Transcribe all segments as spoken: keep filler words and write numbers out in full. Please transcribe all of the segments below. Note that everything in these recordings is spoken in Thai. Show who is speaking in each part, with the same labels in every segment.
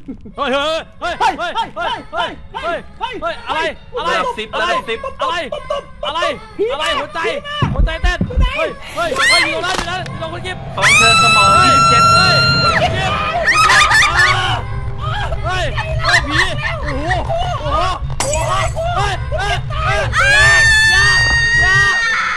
Speaker 1: เฮ้ยเฮ้ยเฮ้ยเฮ้ยเฮ้ยเฮ้ยเฮ้ยเฮ้ยเฮ้ยเฮ้ยอะไรอะไร
Speaker 2: สิบ
Speaker 1: อะไร
Speaker 2: สิบ
Speaker 1: อะไรอะไรอะไรหัวใจหัวใจเต้นเฮ้ยเฮ้ยเฮ้ยอยู่ตรงนั้นอยู่นั้นอยู่ตรงคนกิฟ
Speaker 2: ขอเชิญสมองยี่สิบเจ็ด
Speaker 1: เฮ้ยกิฟเฮ้ยเฮ้ยผีโอ้โหโอ้โหโอ้โหเฮ้ยเฮ้ยเฮ้ยอย่าอย่า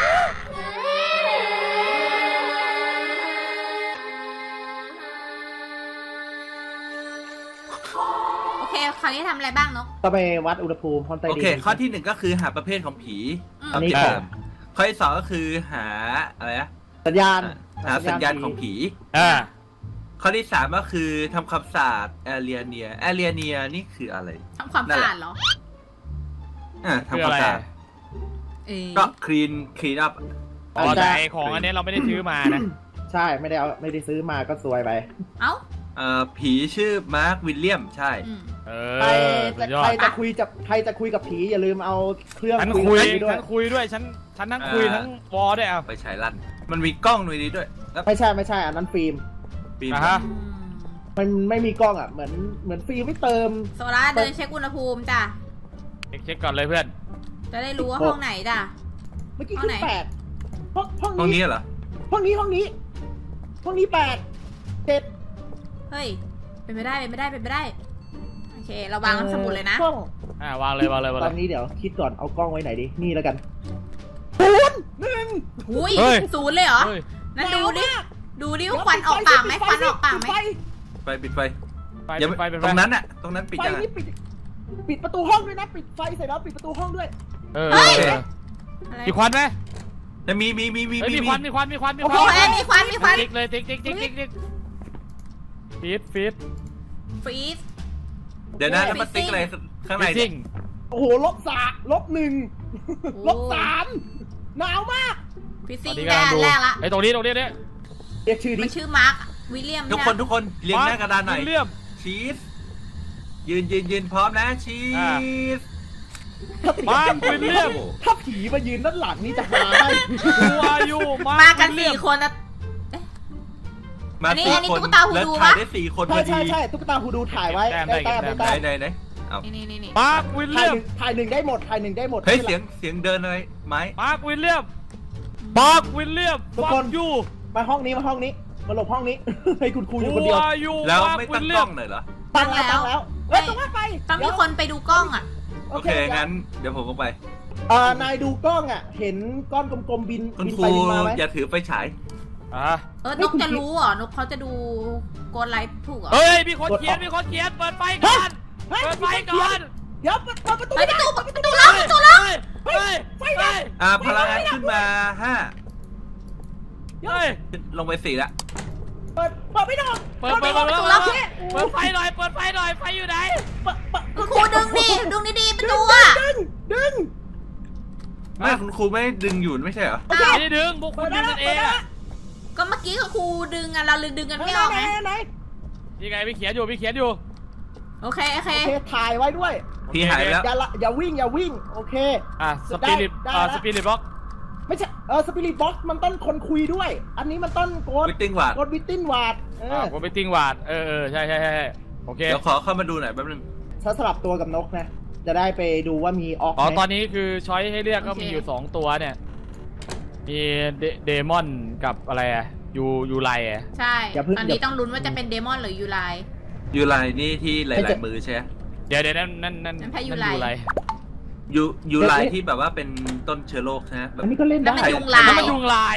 Speaker 3: โอเคคราวนี้ทำอะไรบ้างนก
Speaker 4: ต้องไปวัดอุณหภูมิห้องใต้
Speaker 2: โอ
Speaker 4: ดิน
Speaker 2: เคข้อที่หนึ่งก็คือหาประเภทของผี
Speaker 4: อันนี้
Speaker 2: ที่
Speaker 4: ก่อ
Speaker 2: เดิ
Speaker 4: น
Speaker 2: มข้อที่สองก็คือหาอะไรนะ
Speaker 4: สัญญาณ
Speaker 2: หาสัญญาณของผี
Speaker 1: อ่า
Speaker 2: ข้อที่สามก็คือทำความสะอาดแอเรียเนียแอเรียเนียนี่คืออะไร
Speaker 3: ทำความสะอาดเหรอ
Speaker 2: อ่าทำความสะอาด
Speaker 3: เออ
Speaker 2: ก็คลีนคลีนอัพ
Speaker 1: อ๋อแต่ของอันนี้เราไม่ได้ซื้อมานะ
Speaker 4: ใช่ไม่ได้เอาไม่ได้ซื้อมาก็ซวยไป
Speaker 3: เอ้า
Speaker 2: เอ่อผีชื่อมาร์ควิลเลียมใช่
Speaker 3: อืม
Speaker 1: เอ
Speaker 4: ใคร
Speaker 1: อสุ
Speaker 4: จะ
Speaker 1: ดยอ
Speaker 4: ใคร
Speaker 1: ด
Speaker 4: จะคุยจะใครจะคุยกับผีอย่าลืมเอาเครื่อง
Speaker 1: ฉัน
Speaker 4: คุ
Speaker 1: คุ
Speaker 4: ย
Speaker 1: ย
Speaker 4: กับผีด้วย
Speaker 1: ฉันคุยด้วยฉันฉันทั้งคุยทั้งวอลด้วยอ่ะ
Speaker 2: ไปฉายลั่นมันมีกล้องด้วยนี้ด้วยแล้ว
Speaker 4: ไม่ใช่ไม่ใช่อันนั้นฟิล์ม
Speaker 2: ปีน
Speaker 1: อ่ะฮะ
Speaker 3: อืม
Speaker 4: มันไม่มีกล้องอ่ะเหมือนเหมือนฟิล์มไม่เติม
Speaker 3: โซล่าเดินเช็คอุณหภูมิจ้ะ
Speaker 1: เช็คเช็คก่อนเลยเพื่อน
Speaker 3: จะได้รู้ว่าห้องไหนจ้ะ
Speaker 4: เมื่อกี้
Speaker 3: ห้อง
Speaker 4: ขึ้
Speaker 3: ไหน
Speaker 4: นแปดห้องห้อง
Speaker 2: ห้อง
Speaker 4: นี้
Speaker 2: นี้เหรอ
Speaker 4: ห้องนี้ห้องนี้ ห้องนี้แปดเจ็ด
Speaker 3: เฮ้ย เป็นไปได้ เป็นไปได้ เป็นไปได้ โอเค เราวางสมุดเลยนะ
Speaker 4: กล้อง
Speaker 1: อ่าวางเลยวางเลยวาง
Speaker 4: ต
Speaker 1: เล
Speaker 4: อน
Speaker 1: ย
Speaker 4: นี้เดี๋ยวคิดก่อนเอากล้องไว้ไหนดีนี่แล้วกันศูนย์หนึ่ง
Speaker 3: อุ้ย
Speaker 1: เฮ้ย
Speaker 3: ศูนย์เลยเหรอ
Speaker 1: เฮ้ย
Speaker 3: นั่นดูดิ
Speaker 4: หนาวมาก
Speaker 3: ดูดิว่าควันออกปากไหมควันออกปากไหม
Speaker 2: ไฟปิดไฟ
Speaker 1: ไฟ
Speaker 2: อย่า
Speaker 1: ไฟเป็น
Speaker 2: ต
Speaker 1: ไฟ
Speaker 2: รงนั้นอะตรงนั้นปิด
Speaker 4: ไฟ
Speaker 2: ยังไง
Speaker 4: นี่ปิดปิดประตูห้องด้วยนะปิดไฟเสร็จแล้วปิดประตูห้องด้วย
Speaker 1: เออ
Speaker 3: เฮ้ย
Speaker 1: เออ
Speaker 3: อะไร
Speaker 1: มีควันไหม
Speaker 2: จะมีมีมีมี
Speaker 1: เฮ้ยมีควันมีควันมีควันมีค
Speaker 3: โอ้
Speaker 1: วัน
Speaker 3: โหมีควันมีควัน
Speaker 1: ติ๊กเลยติ๊กติ๊กติ๊กติ๊กติ๊กฟีดฟีด
Speaker 3: ฟรีซ
Speaker 2: เดี๋ยวนะแล้วมันติ๊กอะไรข้างใน
Speaker 1: ฟี
Speaker 2: เนี่
Speaker 1: ซิ่
Speaker 2: ย
Speaker 1: ง
Speaker 4: โอ้โหลบสามลบหนึ่งลบสามหนาวมาก
Speaker 3: ฟรี
Speaker 1: ต
Speaker 3: ซิ่
Speaker 1: อน
Speaker 3: ง
Speaker 1: นี้
Speaker 3: แร
Speaker 1: กำลัง
Speaker 3: ก
Speaker 1: ดู
Speaker 3: แรกละ
Speaker 1: ไอ้ตรงนี้ตรงนี้เนี่ย
Speaker 4: เรียกชื่อดิ
Speaker 3: มันชื่อมาร์ควิลเลียม
Speaker 2: ทุกคนทุกคนเรียงหน้ากระดานหน่อย
Speaker 1: วิลเลียม
Speaker 2: ชีสยืนยืนยืนพร้อมนะชี
Speaker 1: อ่า
Speaker 2: ส
Speaker 1: มาร์ควิลเลียม
Speaker 4: ถ้าผีมายืนด้านหลังนี่จะหาได้
Speaker 1: ดูอายุมา
Speaker 3: มา
Speaker 1: ร์ค
Speaker 3: กัน
Speaker 1: วิลเลี
Speaker 3: สี่
Speaker 1: ยม
Speaker 3: คนนะ
Speaker 2: มา
Speaker 3: อันนี้
Speaker 2: สี่
Speaker 3: อันนี้
Speaker 2: คน
Speaker 3: ตุ๊กตาฮู
Speaker 2: แล้ว
Speaker 3: ดู
Speaker 2: ถ่าย
Speaker 3: ปะ
Speaker 2: ได้สี่คนพ
Speaker 4: ใช่
Speaker 2: อดี
Speaker 4: ใช่ใช่ตุ๊กตาฮูดูถ่ายไว้ได้แต้มได้
Speaker 2: ไหน
Speaker 4: แต้ม
Speaker 2: ไหนไหนเอา
Speaker 3: นี่นี่นี่นี่
Speaker 1: มาร์ควิล
Speaker 4: ถ่า
Speaker 1: เลี
Speaker 4: ย
Speaker 1: ย
Speaker 4: ห
Speaker 1: ม
Speaker 4: นึ่งถ่ายหนึ่งได้หมดถ่ายหนึ่งได้หมด
Speaker 2: เฮ้ยเสียงเสียงเดินอะไรไหม
Speaker 1: มาร์ควิลเลียมมาร์ควิลเลียม
Speaker 4: ทุก
Speaker 1: ฟั
Speaker 4: ค
Speaker 1: ง
Speaker 4: น
Speaker 1: ยู
Speaker 4: มาห้องนี้มาห้องนี้มาหลบห้องนี้ ให้คุณครูอยู่คนเดียว
Speaker 1: อายุ
Speaker 2: แล้ว
Speaker 1: มาร์ค
Speaker 2: ไม่
Speaker 1: วิ
Speaker 2: ตั้
Speaker 1: ล
Speaker 2: ง
Speaker 1: เลี
Speaker 2: กล้
Speaker 1: ย
Speaker 2: อ
Speaker 1: ม
Speaker 2: งหน่อยเหรอ
Speaker 4: ตั้งแล้วตั้งแล้วเอ้ยต้องว่าไป
Speaker 3: ต้องมีคนไปดูกล้องอ่ะ
Speaker 2: โอเคงั้นเดี๋ยวผมก็ไป
Speaker 4: เอ่อนายดูกล้องอ่ะ เห็นก้อนกลมๆบิน
Speaker 2: คุณ
Speaker 4: บิน
Speaker 2: ครู
Speaker 4: ไปบินมาไหม
Speaker 2: อย่าถือไฟฉาย
Speaker 1: อ่ะ
Speaker 3: เออนกจะรู้เหรอนกเขาจะดูโกนไลฟ์ถูกเหรอ
Speaker 1: เฮ้ยมีคนเขียนมีคนเขียนเปิดไฟก่อน
Speaker 4: เฮ้ย
Speaker 1: เปิดไฟก่อน
Speaker 4: เดี๋ยวเปิดประตู
Speaker 3: เฮ้ย
Speaker 4: ไม่
Speaker 3: ประ
Speaker 4: ได้
Speaker 3: ตูประตูล็อกประตูล็อก
Speaker 1: เฮ้ยเฮ้ยเฮ้ย
Speaker 2: อ่าพลังงานขึ้นมาห้า
Speaker 1: เฮ้ย
Speaker 2: ลงไปสี่ละ
Speaker 4: เปิดเปิดไม่ได้
Speaker 1: เปิดเปิดเปิดเปิดเปิดเปิดไฟหน่อยเปิดไฟหน่อยไฟอยู่ไหน
Speaker 4: เปิดเปิด
Speaker 3: คุณครูดึงดิดึงดีๆประตูอ่ะ
Speaker 4: ดึงดึง
Speaker 2: ไม่คุณครูไม่ดึงอยู่ไม่ใช่เหรอ
Speaker 3: อ้าว
Speaker 1: ไม่ได้ดึงพวกคุณดึงกันเองอะ
Speaker 3: ก็เมื่อกี้กับครูดึงอ่ะเราเลยดึงกัน
Speaker 4: ไหน
Speaker 3: ไม่ออก
Speaker 4: ไหน
Speaker 3: ไง
Speaker 4: ไหน
Speaker 1: ยังไงพี่เขียนอยู่พี่เขียนอยู่
Speaker 3: โอเคโอเค
Speaker 4: โอเคถ่ายไว้ด้วย
Speaker 2: พี่หายไปแล้ว
Speaker 4: อย่าละอย่าวิ่งอย่าวิ่งโอเค
Speaker 1: อ่ะสปิริต
Speaker 4: ได้
Speaker 1: อ่า
Speaker 4: ได้
Speaker 1: สปิริตบล็อก
Speaker 4: ไม่ใช่เออสปิริตบ็อกซ์มันต้นคนคุยด้วย อันนี้มันต้นโกด
Speaker 2: วิตติ้งวาด
Speaker 4: โกดวิตตินวาดเอ
Speaker 1: อ่า
Speaker 4: อ
Speaker 1: ผมไปติ้งวาดเออเออใช่ใช่ใช่โอเค
Speaker 2: เดี๋ยวขอเข้ามาดูหน่อยแป๊บนึง
Speaker 4: ถ้าสลับตัวกับนกนะ จะได้ไปดูว่ามีออก
Speaker 1: อ๋อ
Speaker 4: ไหม
Speaker 1: ตอนนี้คือช้อยให้เลือกก็มีอยู่สองตัวเนี่ยมีเดมอนกับอะไรอะยูยูไลอะ
Speaker 3: ใช่ ตอนนี้ต้องลุ้นว่าจะเป็นเดมอนหรือยูไล
Speaker 2: ยูไลนี่ที่หลายๆมือใช่ไหม
Speaker 1: เดี๋ยวเดี๋ยวนั่นนั่นนั่น
Speaker 3: นั่นแพ้ยูไล
Speaker 1: ไล
Speaker 2: ยูยูไลที่แบบว่าเป็นต้นเชื้อโรคใช่ไหมแบบ
Speaker 4: อันนี้ก็เล่น
Speaker 3: นั่
Speaker 4: ได้
Speaker 3: นมันยุงลาย
Speaker 1: แล้วมันยุงลาย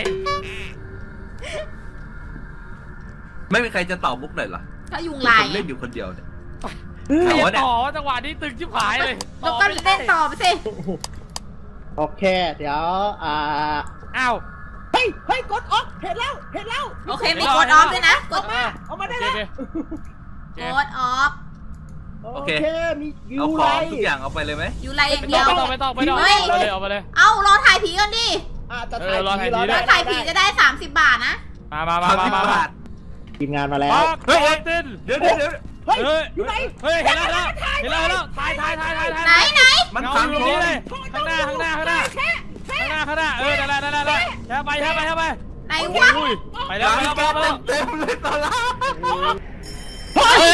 Speaker 2: ไม่มีใครจะตอบมุกหน่อยเหรอ
Speaker 3: ก็ยุง
Speaker 2: คือ
Speaker 3: ลา
Speaker 2: ผ
Speaker 3: ย
Speaker 2: มเล่นอยู่คนเดียวเนี่ย
Speaker 4: เออ
Speaker 2: เอาวะเนี่ย
Speaker 1: ต่อจังหวะนี้ตึงชิบหายเลย
Speaker 3: แล้วก็เล่นต่อไปสิ
Speaker 4: โอเค เดี๋ยวอ่า
Speaker 1: อ้าว
Speaker 4: เฮ้ยเฮ้ยกดออกเห็นแล้วเห็นแล้ว
Speaker 3: โอเคมีกดออฟด้วยนะก
Speaker 4: ออ
Speaker 3: ด
Speaker 4: กมาออกมาได้แล้ว
Speaker 3: กดออฟ
Speaker 4: โอเคมียู
Speaker 2: เอาข
Speaker 4: ไล
Speaker 2: องทุกอย่างเอาไปเลยไหม
Speaker 3: ยูไลอย่าง
Speaker 1: ไม่
Speaker 3: เดี
Speaker 1: ต้
Speaker 3: ย
Speaker 1: อง
Speaker 3: ว
Speaker 1: ไม่ต้องไม่ต้องไม่ต้อง
Speaker 3: เฮ้ย
Speaker 1: เอาเลยเอาไปเลย
Speaker 3: เอ้ารอถ่ายผีกันดิ
Speaker 4: อ่าจะ
Speaker 1: เอ
Speaker 4: ถ่า
Speaker 1: อย รอถ่าย
Speaker 4: ผี
Speaker 1: ผี
Speaker 4: รอ
Speaker 1: ด้
Speaker 4: ได้
Speaker 1: วย
Speaker 3: ถ่ายผีจะได้สามสิบบาทนะ
Speaker 1: มามามามามามา
Speaker 4: ทีมงานมาแล้ว
Speaker 1: ปัก
Speaker 2: เฮ้ย
Speaker 1: ปักติน
Speaker 2: เดี๋ยวเดี๋ยวเดี๋ยว
Speaker 4: เฮ้ย
Speaker 1: เฮ้ย
Speaker 4: อยู่ไหน
Speaker 1: เฮ้ยเห็นแล้วเห็นแล้วเห็นแล้วถ่ายถ่ายถ่ายถ่ายถ่าย
Speaker 3: ไหนไหน
Speaker 2: มัน
Speaker 1: เงา
Speaker 2: ฟัง
Speaker 1: อยู่
Speaker 2: ผ
Speaker 1: นี่
Speaker 2: ม
Speaker 1: เลยข้างหน้าข้างหน้าข้างหน้าข้างหน้าข้างหน้าเออนั่นแหละนั่นแหละนั่นแหละแช่ไปแช่ไปแช่ไป
Speaker 3: ไหนวะ
Speaker 1: อุ้ยไปแล้วไปแล้วไปแล้วไปแล้ว
Speaker 2: เต็มเลยตอนละ
Speaker 1: เฮ้ย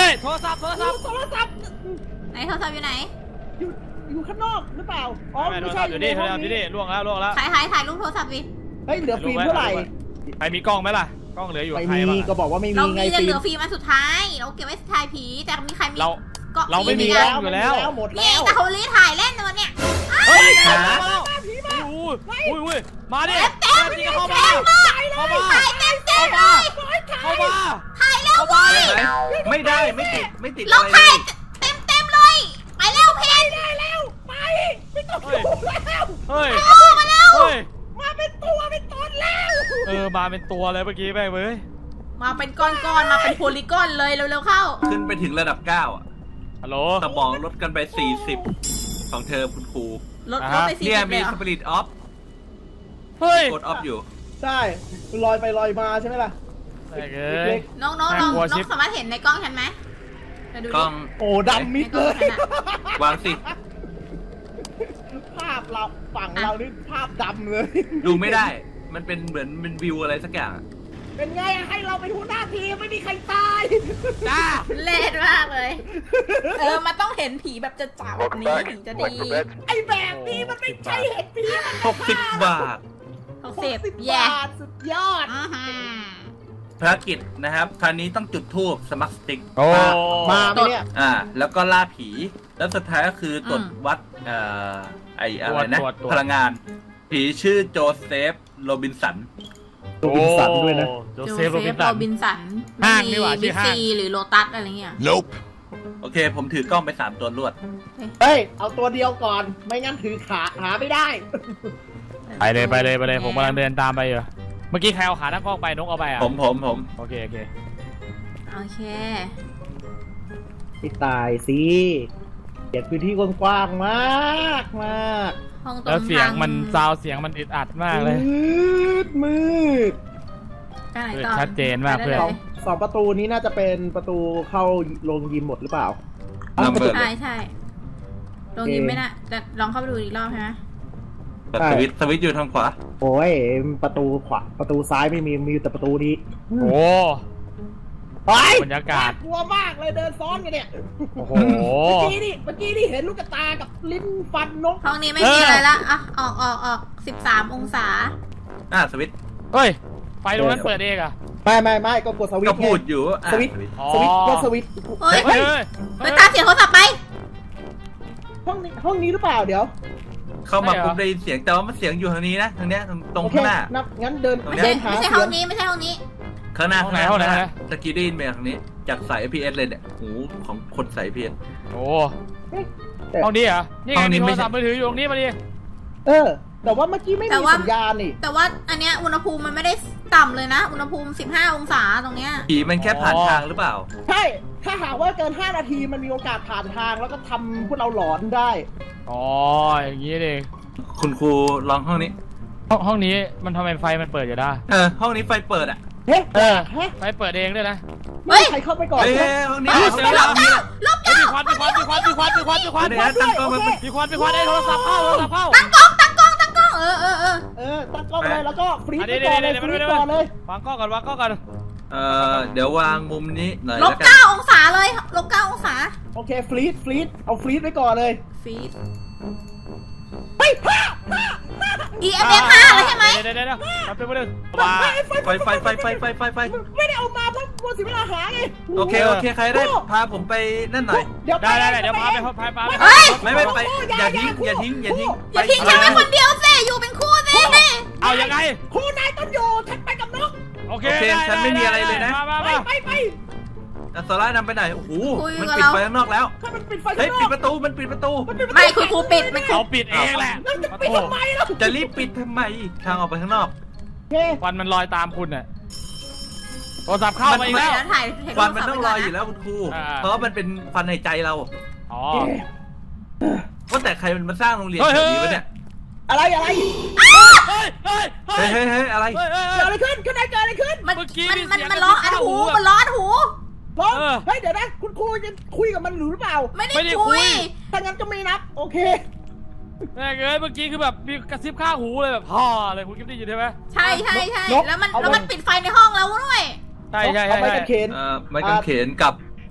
Speaker 1: ยโทรศัพท์โทรศัพท์
Speaker 4: โทรศัพท์
Speaker 3: ไหนโทรศัพท์อยู่ไหน
Speaker 4: อยู่อยู่ข้างนอกหรือเปล่าอ๋อ
Speaker 1: ไม่โท
Speaker 4: ไม่
Speaker 1: ร
Speaker 4: ใช่
Speaker 1: ศัพท์อยู่นี่โทรศัพท์อยู่นี่ล่วงแล้วล่วงแล้ว
Speaker 3: ถ่ายถ่ายถ่ายรูปโทรศัพท์ดิ
Speaker 4: เฮ้ยเหลือฟิล์มเท่าไหร่
Speaker 1: ใครมีกล้องไหมล่ะกล้องเหลืออยู่
Speaker 4: ไม่
Speaker 1: ใคร
Speaker 4: มี
Speaker 1: บ้าง
Speaker 4: ก็บอกว่าไม่
Speaker 3: เรา
Speaker 4: มีไง
Speaker 3: มีแต่
Speaker 4: ฟิ
Speaker 3: เหลื
Speaker 4: ล์
Speaker 3: อ
Speaker 4: ม
Speaker 3: ฟิล์มอันสุดท้าย เราเก็บไว้ถ่ายผี แต่มีใครมี
Speaker 1: เรา
Speaker 3: ก็
Speaker 1: เราไม่มี
Speaker 3: ฟิ
Speaker 1: แล้
Speaker 3: ล์
Speaker 1: ว อยู่แล้ว
Speaker 4: หมด
Speaker 3: นี่
Speaker 4: แล้ว
Speaker 3: แต่เขาลีถ่ายเล่นตัวเนี่ย
Speaker 1: เฮ้ย
Speaker 2: หา
Speaker 1: มาแล้วอุ้ยอุ้ยอุ้ยมาดิจริงเข้ามาเข้ามา
Speaker 3: ถ่ายเต็มเต็มเลย
Speaker 1: เข้ามา
Speaker 3: ถ่ายเร็วเว้ย
Speaker 2: ได้ไหมไม่ได้ไม่ติดไม่ติด
Speaker 3: เรา
Speaker 2: อะไรเล
Speaker 3: ถ่าย
Speaker 2: ย
Speaker 3: เต็มเต็มเลย ไปเร็วเพน
Speaker 4: ได้แล้วไปไม่ต้อง
Speaker 1: เฮ้ย
Speaker 4: ดูแล้ว
Speaker 1: เฮ้ย
Speaker 3: โอ้มาเร็ว
Speaker 1: เฮ้ย
Speaker 4: มาเป็นตัวเป็นตนแล้ว
Speaker 1: เออมาเป็นตัวเลยเมื่อกี้แม่งเว้ย
Speaker 3: มาเป็นก้อนๆ มาเป็นโพลีกอนเลยเร็วๆเข้า
Speaker 2: ขึ้นไปถึงระดับเก้าอ่ะ
Speaker 1: ฮัลโหล
Speaker 2: สมองลดกันไปสี่สิบของเธอคุณครู
Speaker 3: ลด
Speaker 1: อ่า
Speaker 3: ล
Speaker 1: ฮะ
Speaker 3: ดไปสี่
Speaker 2: เนี่ย
Speaker 3: สิบเล
Speaker 2: มี
Speaker 3: ยเหร
Speaker 2: ส
Speaker 3: อ
Speaker 2: ปิริตออฟ
Speaker 1: เฮ้ย
Speaker 2: กดออฟอยู่
Speaker 4: ใช่ลอยไปลอยมาใช่ไหมล่ะ
Speaker 1: แม่งเอ้
Speaker 4: เล็
Speaker 1: ย
Speaker 4: ก
Speaker 3: น้องน้องน้อง
Speaker 1: น่ากลัว
Speaker 3: น้อ
Speaker 1: ชิ
Speaker 3: ง
Speaker 1: บ
Speaker 3: สามารถเห็นในกล้องฉันไหมไปดู
Speaker 2: กล้
Speaker 3: ดิ
Speaker 2: อง
Speaker 4: ๆโอ้ดำมิด
Speaker 3: ในก
Speaker 4: เล
Speaker 3: ล้อง
Speaker 4: ย
Speaker 3: ฉันอะ
Speaker 2: วางสิ
Speaker 4: ภาพเราฝั่งเรานี่ภาพดำเลย
Speaker 2: ดูไม่ได้ มันเป็นเหมือนเป็นวิวอะไรสักอย่างอะ
Speaker 4: เป็นไงอะให้เราเป็นหัวหน้าทีมไม่มีใครตาย
Speaker 2: จ้า
Speaker 3: เล่นมากเลย เออ มันต้องเห็นผีแบบจะจ่าแบบนี้ถึงจะดี
Speaker 4: ไอ้แบบนี้มันไม่ใช่เห็ดผีมัน
Speaker 2: หกสิบบาท
Speaker 3: หกสิบ
Speaker 4: สิบ
Speaker 3: แย่
Speaker 4: บาทสุดยอด
Speaker 3: อื้อหือ
Speaker 2: ภารกิจนะครับ คราวนี้ต้องจุดธูปสมัครสติ๊ก
Speaker 1: โอ้
Speaker 4: มาไหมเนี่ย
Speaker 2: อ่า แล้วก็ล่าผี แล้วสุดท้ายก็คือตรวจ
Speaker 3: อืม
Speaker 2: วัด เอ่อ ไออะไรนะ
Speaker 1: ตรวจตรวจ
Speaker 2: พลังงาน ผีชื่อโจเซฟโรบินสัน
Speaker 4: โรบินสันด้วยนะ
Speaker 1: โจ
Speaker 3: โจ
Speaker 1: เซ
Speaker 3: เซ
Speaker 1: ฟ
Speaker 3: ฟ
Speaker 1: โรบิน
Speaker 3: โร
Speaker 1: สัน
Speaker 3: บินสัน
Speaker 1: ห้างนี่หว่าชื่
Speaker 3: บิ๊
Speaker 1: อก ห้าง
Speaker 3: ซีหรือโลตัสอะไรเงี้ย
Speaker 2: โอเค ผมถือกล้องไปสามตัวรวด
Speaker 4: เฮ้ย เอาตัวเดียวก่อน ไม่งั้นถือขาหาไม่ได้
Speaker 1: ไปเลยไปเลยไปเลยผมกำลังเดินตามไปอยู่เมื่อกี้ใครเอาขาตั้งกล้องไปนกเอาไปอ่ะ
Speaker 2: ผมผมผม
Speaker 1: โอเคโอเค
Speaker 3: โอเค
Speaker 4: ไม่ตายสิเก็บพื้นที่กว้างๆมากมาก
Speaker 3: ห้องตรง
Speaker 1: แล้วเสียง
Speaker 3: ทา
Speaker 1: มันซาวเสียงมันอึดอัดมากเลย
Speaker 4: มืดมืด
Speaker 3: ไปไหนต่อ
Speaker 1: ชัดเจนมาก
Speaker 3: ไป
Speaker 1: เพื่
Speaker 3: ได้
Speaker 1: อน
Speaker 4: สองสองประตูนี้น่าจะเป็นประตูเข้าโรงยิมหมดหรือเปล่า
Speaker 2: นัมเบอร์
Speaker 3: ใช่ใช่ลงยิมไม่น่ะแต่ลองเข้าไปดูอีกรอบใช่ไหม
Speaker 2: แต่สวิตช์สวิตช์อยู่ทางขวา
Speaker 4: โอ้ยประตูขวาประตูซ้ายไม่มีมีแต่ประตูนี้
Speaker 1: โอ้
Speaker 4: ไป
Speaker 1: บรรยากาศ
Speaker 4: กลัวมากเลยเดินซ้อนกันเนี่ย
Speaker 1: โอ้โห
Speaker 4: เมื่อกี้นี่เมื่อกี้นี่เห็นลูกตากับลิ้นฟันนก
Speaker 3: ห้องนี้ไม่
Speaker 1: เออ
Speaker 3: มีอะไรละอ่ะออกออกออกสิบสามองศา
Speaker 2: อ่าสวิตช์
Speaker 1: เฮ้ยไฟตรงนั้นเปิดเองอ่ะ
Speaker 4: ไม่ไม่ไม่ก็กดสวิต
Speaker 2: ก็
Speaker 4: ช์ไง
Speaker 2: พูดอยู่อ่ะ
Speaker 4: สวิตช์
Speaker 1: อ๋อ
Speaker 4: สวิตช์ก็สวิตช์
Speaker 3: เฮ้ย
Speaker 1: เฮ้ยเฮ้ย
Speaker 3: ไปตามเสียงโทรศัพท์ไป
Speaker 4: ห้องนี้ห้องนี้หรือเปล่าเดี๋ยว
Speaker 2: เข้ามาปุ๊บได้ยินเสียงแต่ว่ามันเสียงอยู่ทางนี้นะทางเนี้ยตรงตรง
Speaker 4: โอเค
Speaker 2: ข้างหน้า
Speaker 4: นับงั้นเดิน
Speaker 2: ตรง
Speaker 3: ไม่
Speaker 2: เนี้ย
Speaker 3: ใช่
Speaker 4: เดินหา
Speaker 3: ไม่ใช่
Speaker 4: เสี
Speaker 3: ห้
Speaker 4: ย
Speaker 3: อง งนี้ไม่ใช่ห้องนี้
Speaker 2: ข้างหน้า
Speaker 1: ห้อง
Speaker 2: ข้าง
Speaker 1: ไห
Speaker 2: ห
Speaker 1: น
Speaker 2: น้า
Speaker 1: ห้องไหน
Speaker 2: ข้างหน้าตะกี้ได้ยินมาทางนี้จากสาย พี เอส เลยเนี่ยหูของคนสาย พี เอส
Speaker 1: โอ้
Speaker 4: แต่
Speaker 1: ห้องนี้เหรอนี่
Speaker 2: ห้
Speaker 1: ไง
Speaker 2: องนี้
Speaker 1: มีโท
Speaker 2: ไม่
Speaker 1: ร
Speaker 2: ใช่
Speaker 1: ศัพท์มือถืออยู่ตรงนี้มาดิ
Speaker 4: เออ แต่ว่าเมื่อกี้ไม่
Speaker 3: แต่
Speaker 4: มี
Speaker 3: ว่า
Speaker 4: สัญญาณนี่
Speaker 3: แต่ว่าอันเนี้ยอุณหภูมิมันไม่ได้ต่ำเลยนะ อุณหภูมิสิบห้าองศาตรงเนี้ย
Speaker 2: ผีมันแค่ผ่านทางหรือเปล่า
Speaker 4: ใช่ ถ้าหากว่าเกินห้านาทีมันมีโอกาสผ่านทางแล้วก็ทำพวกเราหลอนได้
Speaker 1: อ๋ออย่างนี้เอง
Speaker 2: คุณครูลองห้องนี้
Speaker 1: ห้องห้องนี้มันทำไมไฟมันเปิดอยู่ได้
Speaker 2: เออห้องนี้ไฟเปิดอ่ะ
Speaker 4: เฮ้ย
Speaker 1: เออ
Speaker 4: เฮ้ย
Speaker 1: ไฟเปิดเองด้วยนะ
Speaker 3: เฮ้
Speaker 4: ไม่
Speaker 3: ย
Speaker 4: มีใครเข้าไปก่อน
Speaker 2: เฮ้ย
Speaker 4: ใช่ไหม
Speaker 2: ห้องนี้
Speaker 1: เฮ้ย
Speaker 2: ห้องนี้ห้องนี้
Speaker 3: ลบ
Speaker 1: เฮ้ยมีควันมีควันมีควันมีควันมีควันมีควัน
Speaker 2: เดี๋ยวนะตั้งกล้องมัน
Speaker 1: มีควันมีควันไอ้โทรศัพท์เข้าโทรศัพท์เข้า
Speaker 3: ตั้งกล้องตั้งกล้องตั้งกล้องเออเออเออ
Speaker 4: เออตั้งกล้องเลยแล้วก็ฟรีด
Speaker 1: อัน
Speaker 4: ไป
Speaker 1: นี้
Speaker 4: ก่อนเลย
Speaker 1: เดี๋ยว
Speaker 4: ฟ
Speaker 1: เดี๋
Speaker 4: รี
Speaker 1: ยว
Speaker 4: ด
Speaker 1: เดี๋ยว
Speaker 4: ก่อนเลย
Speaker 1: วางกล้องก่อนวางกล้องก่อน
Speaker 2: เอ่อเดี๋ยววางมุมนี้หน่อย
Speaker 3: ลบ
Speaker 2: แล้วกั
Speaker 3: เก้าน องศาเลยลบเก้าองศา
Speaker 4: โอเคฟรีดฟรีดเอาฟรีดไว้ก่อนเลย
Speaker 3: ฟีด
Speaker 4: เฮ้ยผ้า
Speaker 3: อีเอ็มเอฟห้าแล้วใช่ไหม
Speaker 1: เดี๋ยวเดี๋ยวเดี๋ยวแป๊บนึงแป๊บนึงว่า
Speaker 2: ไฟไฟไฟไฟไฟไฟไฟ
Speaker 4: ไม่ได้เอามาเพราะมัวเสียเวลาหาไง
Speaker 2: โอเคโอเคใครได้พาผมไปนั่นหน่อย
Speaker 4: เดี๋ยว
Speaker 1: ได้ได้ได้เดี๋ยวพาไปพาไปพาไป
Speaker 3: เฮ้ย
Speaker 2: ไม่ไม่ไปอย่าทิ้งอย่าทิ้งอย่าทิ้ง
Speaker 3: อย่าทิ้งฉันไว้คนเดียวสิอยู่เป็นคู่สิ
Speaker 1: เอายังไง
Speaker 4: ครูนายต้องอยู่ฉันไปกับนก
Speaker 1: โอเค
Speaker 2: โอเค
Speaker 1: ด้
Speaker 2: ฉันไม่มีอะไรเลยนะ
Speaker 1: มามา
Speaker 4: ไป
Speaker 1: มา
Speaker 4: ไปไป
Speaker 2: อัสรานำไปไหนโอ้โหมันปิดไฟข้างนอกแล้ว
Speaker 4: ถ้ามันปิดไฟ
Speaker 2: เฮ้
Speaker 4: ข้าย งน
Speaker 2: ปิ
Speaker 4: อ
Speaker 2: ด
Speaker 4: ก
Speaker 2: ประตูมันปิดประตู
Speaker 3: ไม่คุณครูปิดมัน
Speaker 1: เขาปิดเองแหละ
Speaker 4: แล้วจะปิดทำไมล่ะ
Speaker 2: จะรีบปิดทำไมทางออกไปข้างนอก
Speaker 4: โอเค
Speaker 1: ควันมันลอยตามคุณน่ะโทรศัพท์เข้ามาอีก
Speaker 3: เดี๋
Speaker 1: แล้ว
Speaker 3: ยวถ่ายถ่าย
Speaker 2: ควันมัน
Speaker 3: รู
Speaker 2: ต้
Speaker 3: ป
Speaker 2: อง
Speaker 3: ส
Speaker 2: ร
Speaker 3: ไว้
Speaker 2: อ
Speaker 3: ก่นนะ
Speaker 2: อยู่แล้วคุณครู
Speaker 1: อ่า
Speaker 2: เพราะว่ามันเป็นควันในใจเรา
Speaker 1: อ๋อ
Speaker 2: ว่าแต่ใครมันมาสร้างโรงเรียน
Speaker 1: เฮ้ย
Speaker 2: แบบ
Speaker 1: เฮ้ย
Speaker 2: นี้วะเนี่ย
Speaker 4: อะไรอะไร
Speaker 1: เฮ้ยเฮ้ยเฮ้
Speaker 2: เฮ้
Speaker 1: ย
Speaker 2: ยเฮ้ยเฮ้ยอะไร
Speaker 1: เฮ้ยเฮ้ย
Speaker 4: เกิดอะไรขึ้นข้างในเกิดอะไรขึ้น
Speaker 3: มัน
Speaker 1: เมื่อกี้
Speaker 3: มัน
Speaker 1: มี
Speaker 3: มัน
Speaker 1: เสียง
Speaker 3: มันร้องอันหู
Speaker 1: กระซิบข้างหูอะ
Speaker 3: มันร้องอันหู
Speaker 4: ร้อง
Speaker 1: เออ
Speaker 4: เฮ้ยเดี๋ยวนะคุณครูจะคุยกับมันหรือเปล่า
Speaker 3: ไม่ได้
Speaker 1: ไม่ได้คุ
Speaker 3: คุ
Speaker 1: ย
Speaker 3: ย
Speaker 4: ถ้างั้นก็ไม่นับโอเค
Speaker 1: แม่งเอ้ยเมื่อกี้คือแบบมีกระซิบข้างหูเลยแบบพ่อเลยคุณกิ๊ฟได้ยินใช่ไหม
Speaker 3: ใช่ใช่ใช่
Speaker 4: นก
Speaker 3: แล้วมัน
Speaker 4: เอา
Speaker 3: แล้วมัน
Speaker 4: ไว้
Speaker 3: ปิดไฟในห้องเราด้วย
Speaker 1: ใช่ใช่
Speaker 4: เอา
Speaker 1: ใช่
Speaker 4: ไป
Speaker 1: ใช่
Speaker 4: กันเขน
Speaker 2: เอ่อไม้กางเขนกับ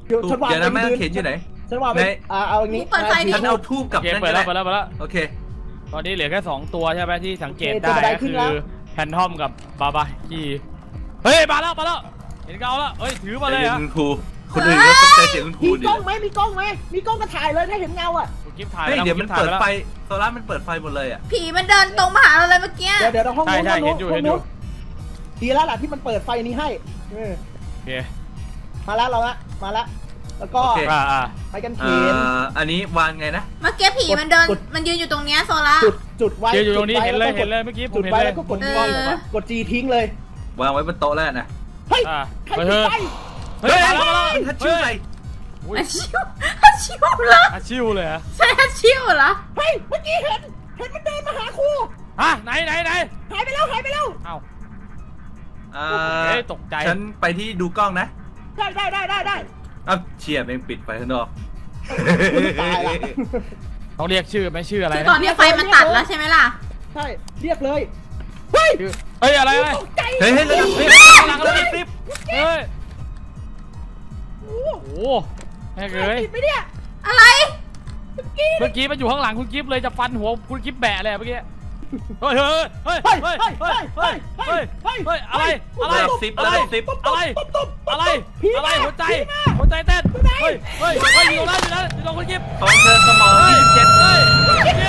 Speaker 4: เดี๋ยวฉันวาง
Speaker 2: เดี๋ยวนะ
Speaker 4: ไป
Speaker 2: แม่
Speaker 4: พื้
Speaker 2: เขียนอยู่ไหน
Speaker 4: ฉันวางไป
Speaker 2: ไหน
Speaker 4: อ่าเอาอย่างนี้
Speaker 3: เปิดไฟดิ
Speaker 2: ฉันเอาทูบกับ
Speaker 1: โอเค
Speaker 2: นั่น
Speaker 1: เปิ
Speaker 2: ก็
Speaker 1: ดแล้
Speaker 2: ได้
Speaker 1: วเปิดแล้วเปิดแล้ว
Speaker 2: โอเค
Speaker 1: ตอนนี้เหลือแค่สองตัวใช่ไหมที่สังเกต
Speaker 4: โอเค
Speaker 1: ได้
Speaker 4: จะได้
Speaker 1: ก็
Speaker 4: ขึ้น
Speaker 1: คื
Speaker 4: แล้
Speaker 1: อ
Speaker 4: ว
Speaker 1: แพนทอมกับบาบาคีเฮ้ยมาแล้วมาแล้วเห็นเงาแล้วเฮ้ยถือมาเลย
Speaker 2: ใจ
Speaker 1: เหร
Speaker 2: เย็
Speaker 1: อ่ะ
Speaker 2: นคุณครูคนอื่นก็ตกใจเสียงคุณครู
Speaker 4: มี
Speaker 2: ดิ
Speaker 4: กล้องไหมมีกล้องไหมมีกล้องก็ถ่ายเลยถ้าเห็นเงาอ่ะ
Speaker 1: คุณกิฟต์ถ่าย
Speaker 2: เฮ้ย
Speaker 1: แล้ว
Speaker 2: เดี๋ยว
Speaker 1: คุ
Speaker 2: มั
Speaker 1: ณ
Speaker 2: น
Speaker 1: กิฟต์ถ่าย
Speaker 2: เปิด
Speaker 1: แล้ว
Speaker 2: ไฟโซล่ามันเปิดไฟหมดเลยอ่ะ
Speaker 3: ผีมันเดินตรงมาหาเราเลยเมื่อกี้
Speaker 4: เดี๋ยวเดี๋ยวเราห้อง
Speaker 1: ใช่
Speaker 4: นู้น
Speaker 1: ใช่
Speaker 4: ห้อง
Speaker 1: เห็
Speaker 4: นู้
Speaker 1: น
Speaker 4: น
Speaker 1: อยู่
Speaker 4: ห้
Speaker 1: เห็
Speaker 4: อง
Speaker 1: นอยู่
Speaker 4: นู้นดีแล้วล่ะที่มันเปิดไฟนี้ให้เออ
Speaker 1: โอเค
Speaker 4: มาแล้วเราละมาแล้วแล้วก็
Speaker 2: โอเค
Speaker 1: อ่าอ่า
Speaker 4: ไปกันเข
Speaker 2: เอ่
Speaker 4: น
Speaker 2: ออันนี้วางไงนะ
Speaker 3: เมื่อกี้ผีมันเดิน
Speaker 4: กด
Speaker 3: มันยืนอยู่ตรงเนี้ยโซล่า
Speaker 4: จุดจุดไว้
Speaker 1: เดี๋ยวอยู่ตรงนี้
Speaker 4: จุดไว้
Speaker 1: เห็นเลย
Speaker 4: แวก็
Speaker 1: เห็นเลยเมื่อกี้ผ
Speaker 4: จุ
Speaker 1: ม
Speaker 4: ด
Speaker 1: เห็น
Speaker 4: ไว้
Speaker 1: เลย
Speaker 4: แล้วก็กด
Speaker 3: เอ
Speaker 4: จี
Speaker 3: อ
Speaker 4: กดจีทิ้งเลยว
Speaker 2: างไว้บนโต๊ะแล้วนะ
Speaker 4: เฮ้ย
Speaker 1: อ่า
Speaker 4: ใคร
Speaker 1: เฮ้
Speaker 4: ปิด
Speaker 1: ย
Speaker 4: ไฟ
Speaker 1: เฮ้ยมาแล้วมาแล้ว
Speaker 2: ทัชชิ่วใส่
Speaker 1: อุ้ย
Speaker 3: อาชิวอาชิวเหรอ
Speaker 1: อาชิวเลยเหรอะ
Speaker 3: ใช่อาชิวเหรอ
Speaker 4: เฮ้ยเมื่อกี้เห็นเห็นมันเดินมาหาครู
Speaker 1: ฮะไหนไหนไหน
Speaker 4: หายไปแล้วหายไปแล้ว
Speaker 1: เอ้า
Speaker 2: อ่า
Speaker 1: เฮ้ยตกใจ
Speaker 2: ฉันไปที่ดูกล้องนะ
Speaker 4: ได้ได้ได้ได้ได้
Speaker 2: อ้าวเชียร์แม่งปิดไฟข้างนอก
Speaker 4: ตายละ
Speaker 1: ต้องเรียกชื่อไหมชื่ออะไร
Speaker 3: คือ
Speaker 1: นะ
Speaker 3: ตอนนี้ไฟมันตัดแล้วใช่ไหมล่ะ
Speaker 4: ใช่เรียกเลยเฮ้ย
Speaker 1: ชื่อเฮ้ยอะไรอะไร
Speaker 4: ตกใจ
Speaker 2: เฮ้ยเฮ้ยเฮ้ย
Speaker 1: เฮ้ยข้างหลังเราติดเฮ้ย
Speaker 4: โอ้
Speaker 1: โอ้โหแม่ง
Speaker 4: ใคร
Speaker 1: เลย
Speaker 4: ติดไหมเนี่ย
Speaker 3: อะไร
Speaker 1: เมื่อกี้มันอยู่ข้างหลังคุณกิฟต์เลยจะฟันหัวคุณกิฟต์แบะเลยเมื่อกี้เฮ้ยเฮ้ยเฮ้ยเฮ้ยเฮ้ยเฮ้ยเฮ้ยเฮ้ยเฮ้ยอะไรอะไร
Speaker 2: ระดับสิบ
Speaker 1: อะ
Speaker 2: ระ
Speaker 1: ไร
Speaker 2: ดับสิบ
Speaker 1: อะไรอะไรอะไรหัวใจหัวใจเต้นเฮ้ยเฮ้ยเฮ้ยอยู่แล้วอยู่แล้วอยู่ตรงคุณกิฟต์
Speaker 2: ของเธอสมองยี่สิบเจ็ด
Speaker 1: เฮ้ยคุณกิฟต์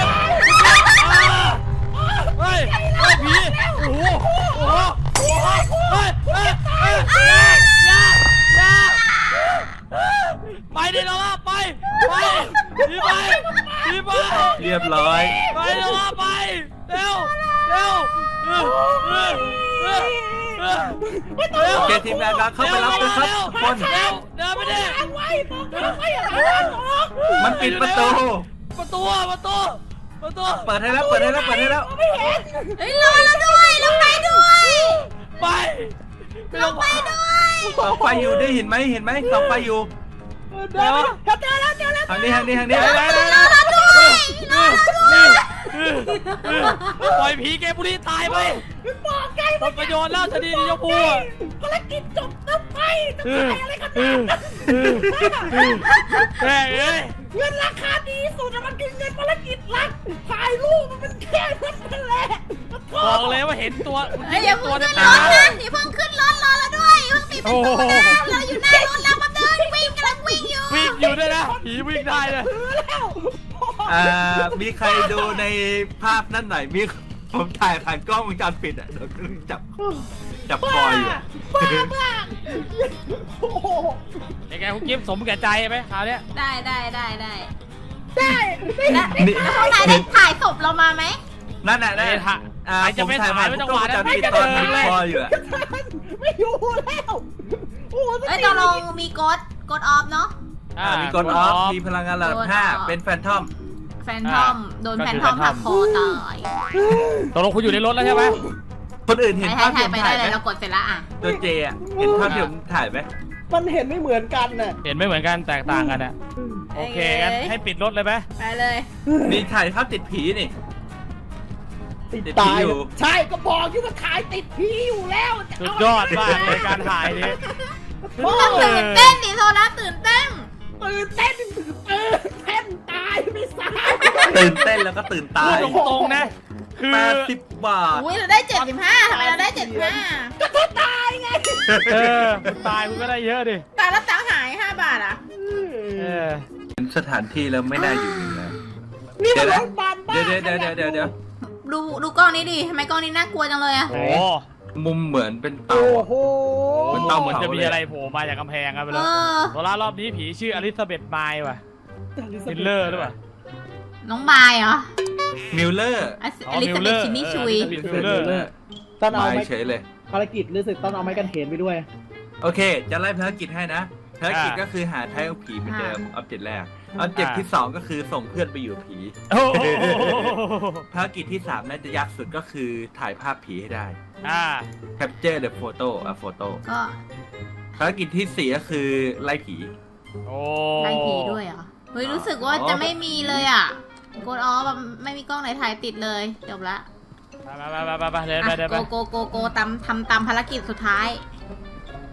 Speaker 1: เฮ้ยเฮ้ยผีโอ้โหโอ้โหโอ้โหเฮ้ยเฮ้ยเฮ้ยอย่าอย่าไปดิเราละไปไปผีไปผีไป
Speaker 2: เรียบร้อย
Speaker 1: ไปเร็วไปเร็วเร็วเออเออเออเออเร็ว
Speaker 2: โอเคทีมงานเราเข้าไปรับเลยครับทุกคน
Speaker 1: เร็วเดินไปดิ
Speaker 4: ทางไว้ทางไว้อะไรวะ
Speaker 2: มันปิดประตู
Speaker 1: ประตูประตูประตู
Speaker 2: เปิดให้แล้วเปิดให้แล้วเปิดให้แล้ว
Speaker 4: ไม่เห็น
Speaker 3: เฮ้ยรอเราด้วยเราไปด้วย
Speaker 1: ไปไปลงไปด้วย
Speaker 2: ส่องไฟอยู่ได้เห็นไหมเห็นไหมส่องไฟอยู่
Speaker 4: เดินแล้วเจอแล้วเจอแล้ว
Speaker 2: ทางนี้ทางนี้ทางนี้
Speaker 1: ไปไปไป
Speaker 3: รอเราด้วยรอเราด้วย
Speaker 1: ปล่อยผีเกมบุรีตายไป
Speaker 4: บอกไง
Speaker 1: หมดประโยชน์แล้วชนีนิยมพูอ่ะ
Speaker 4: ภารกิจจบแล้วไปจะไปอะไรกันเนี่ย
Speaker 1: แม่เอ้ย
Speaker 4: เงินราคาดีสุดมันคือเงินภารกิจรักถ่ายรูปมันเป็นแค่นั้นแหละ
Speaker 1: บอกเลยว่าเห็นตัวคุณ
Speaker 3: เฮ้ยอย่าเพิ่
Speaker 1: ตัว
Speaker 3: ง
Speaker 1: เต็
Speaker 3: ขึ้
Speaker 1: ม
Speaker 3: น
Speaker 1: ตาร
Speaker 3: ถนะอย่าเพิ่งขึ้นรถรอเราด้วยอย่าเพิ่งปิดประตูนะเราอยู่หน้ารถแล้วมาเดินวิ่งกำลังวิ่งอยู่
Speaker 1: วิ่งอยู่ด้วยนะผีวิ่งได้เลย
Speaker 4: ถือแล้ว
Speaker 2: อ่ามีใครดูในภาพนั่นหน่อยมีผมถ่ายผ่านกล้องวงจรปิดอ่ะเดี๋ยวจับจับคออยู่อะ
Speaker 4: บ้ามากโอ้โห
Speaker 1: ยังไงคุณกิฟต์สมแก่ใจไหมคราวเนี้ย
Speaker 3: ได้ได้ได้ได้
Speaker 4: ได้
Speaker 3: แล้วแล้วข้างในได้ถ่ายศพเรามาไหม
Speaker 2: นั่นน่ะนั่น
Speaker 1: ไอ้
Speaker 2: น่ะ
Speaker 1: ถ่าย
Speaker 2: อ่า
Speaker 1: ใคร
Speaker 2: ผ
Speaker 1: จะ
Speaker 2: ม
Speaker 1: ไม่
Speaker 2: ถ่าย
Speaker 1: ถ่า
Speaker 2: ผ่าย น
Speaker 1: ไว้
Speaker 2: ก
Speaker 1: จัง
Speaker 2: ล้
Speaker 1: ห
Speaker 2: อง
Speaker 1: วะ
Speaker 2: วงจ
Speaker 1: นั้น
Speaker 2: ร
Speaker 1: ไม่
Speaker 2: ปิด
Speaker 1: กระ
Speaker 2: ตอ
Speaker 1: เจิ
Speaker 2: น
Speaker 1: ง
Speaker 2: มี
Speaker 1: เลย
Speaker 2: คออยู่อะ
Speaker 4: ไม่อยู่แล้วโอ้โห
Speaker 3: เฮ้ยตกลงมีกดกดออฟเนาะ
Speaker 1: อ่า
Speaker 2: มีกดออฟมีพลังงานระดับห้าเป็นแฟนทอม
Speaker 3: แฟนทอมโดนแฟนทอมหักคอตาย
Speaker 1: ตกลงคุณอยู่ในรถแล้วใช่ไหม
Speaker 2: คนอื่นเห็น
Speaker 3: ถ่าย
Speaker 2: ภาพ
Speaker 3: ถ่าย
Speaker 2: ที่ผมถ่ายไหม
Speaker 3: ไปได้เลยเรากดเสร็จแล้วอ่ะ
Speaker 2: ตัวเจอ่ะเห็นภาพที่ผมถ่ายไหม
Speaker 4: มันเห็นไม่เหมือนกันน่ะ
Speaker 1: เห็นไม่เหมือนกันแตกต่างกันอ่ะโอเคงั้นให้ปิดรถเลยไหม
Speaker 3: ไปเลย
Speaker 2: มีถ่ายภาพติดผีนี่
Speaker 4: ติด
Speaker 2: ติด
Speaker 4: ตา
Speaker 2: ผี
Speaker 4: ย
Speaker 2: อยู่
Speaker 4: ใช่ก็บอกอยู่ว่าถ่ายติดผีอยู่แล้วจะ
Speaker 1: สุด
Speaker 4: เะ
Speaker 1: ยอดมากเลยการถ่ายนี้
Speaker 3: ต้องตื่นเต้นดิโซล่าตื่นเต้น
Speaker 4: ตื่นเต้นตื่นเต้นตายไม่สาย
Speaker 2: ตื่นเต้นแล้วก็ตื่นตา
Speaker 1: พูด
Speaker 2: ย
Speaker 1: ตรงๆนะคือ
Speaker 2: แปดสิบบาท
Speaker 3: อุ้ยเราได้เจ็ดสิบห้าทำไมเราได้เจ็ดสิบห้า
Speaker 4: ก็เธอตายไง
Speaker 1: เออตายคุณก็ได้เยอะดิ
Speaker 3: แต่แล้วตังค์หายห้าบาทอ่ะ
Speaker 1: เออ
Speaker 2: เป็นสถานที่แล้วไม่น่าอยู่เลยนะ
Speaker 4: นี่มัน
Speaker 2: เดี๋
Speaker 4: ร
Speaker 2: ยว
Speaker 4: ถบานบ้า
Speaker 2: เดี๋ยวเดี๋ยวเดี๋ยวเดี๋ยวเดี๋ยว
Speaker 3: ดูดูกล้องนี้ดิทำไมกล้องนี้น่ากลัวจังเลยอ่ะ
Speaker 1: โอ้
Speaker 2: มุมเหมือนเป็นเตา
Speaker 4: โอ้
Speaker 2: อะ
Speaker 4: โห
Speaker 1: เหมือนเตาเหมือนจะมีอะไรโผล่มาจากกำแพงครับไป
Speaker 3: เอ
Speaker 1: แล้ว
Speaker 3: อ
Speaker 1: โซล่ารอบนี้ผีชื่ออลิซาเบธไมล์ว่ะมิลเลอร์หรือเปล่า
Speaker 3: น้องบายเหรอ
Speaker 2: มิลเลอร์
Speaker 3: อลิซาเบธชินนี่ชุย
Speaker 1: มิลเลอร์
Speaker 4: ตอนเอา
Speaker 2: มา
Speaker 4: ไม้
Speaker 2: เฉยเลย
Speaker 4: ภารกิจรู้สึกตอนเอาไม้กันเขนไปด้วย
Speaker 2: โอเค จะไล่ภารกิจให้นะภารกิจก็คือหาไทป์ผีเหมือนเดิมออบเจกต์แรกออบเจกต์ที่สองก็คือส่งเพื่อนไปอยู่กับผี
Speaker 1: โอ้โห
Speaker 2: ภารกิจที่สามน่าจะยากสุดก็คือถ่ายภาพผีให้ได้
Speaker 1: อ่า
Speaker 2: capture the photo a photo
Speaker 3: ก็
Speaker 2: ภารกิจที่สี่ก็คือไล่ผี
Speaker 1: โอ้
Speaker 3: ไล่ผีด้วยเหรอ เฮ้ยรู้สึกว่าจะไม่มีเลยอ่ะกดออฟไม่มีกล้องไหนถ่ายติดเลยจบละ
Speaker 1: ไปไปไปไปไปเดินไป
Speaker 3: อ่ะ
Speaker 1: เดิน
Speaker 3: โก
Speaker 1: ไป
Speaker 3: โกโกโกตามทำตามภารกิจสุดท้าย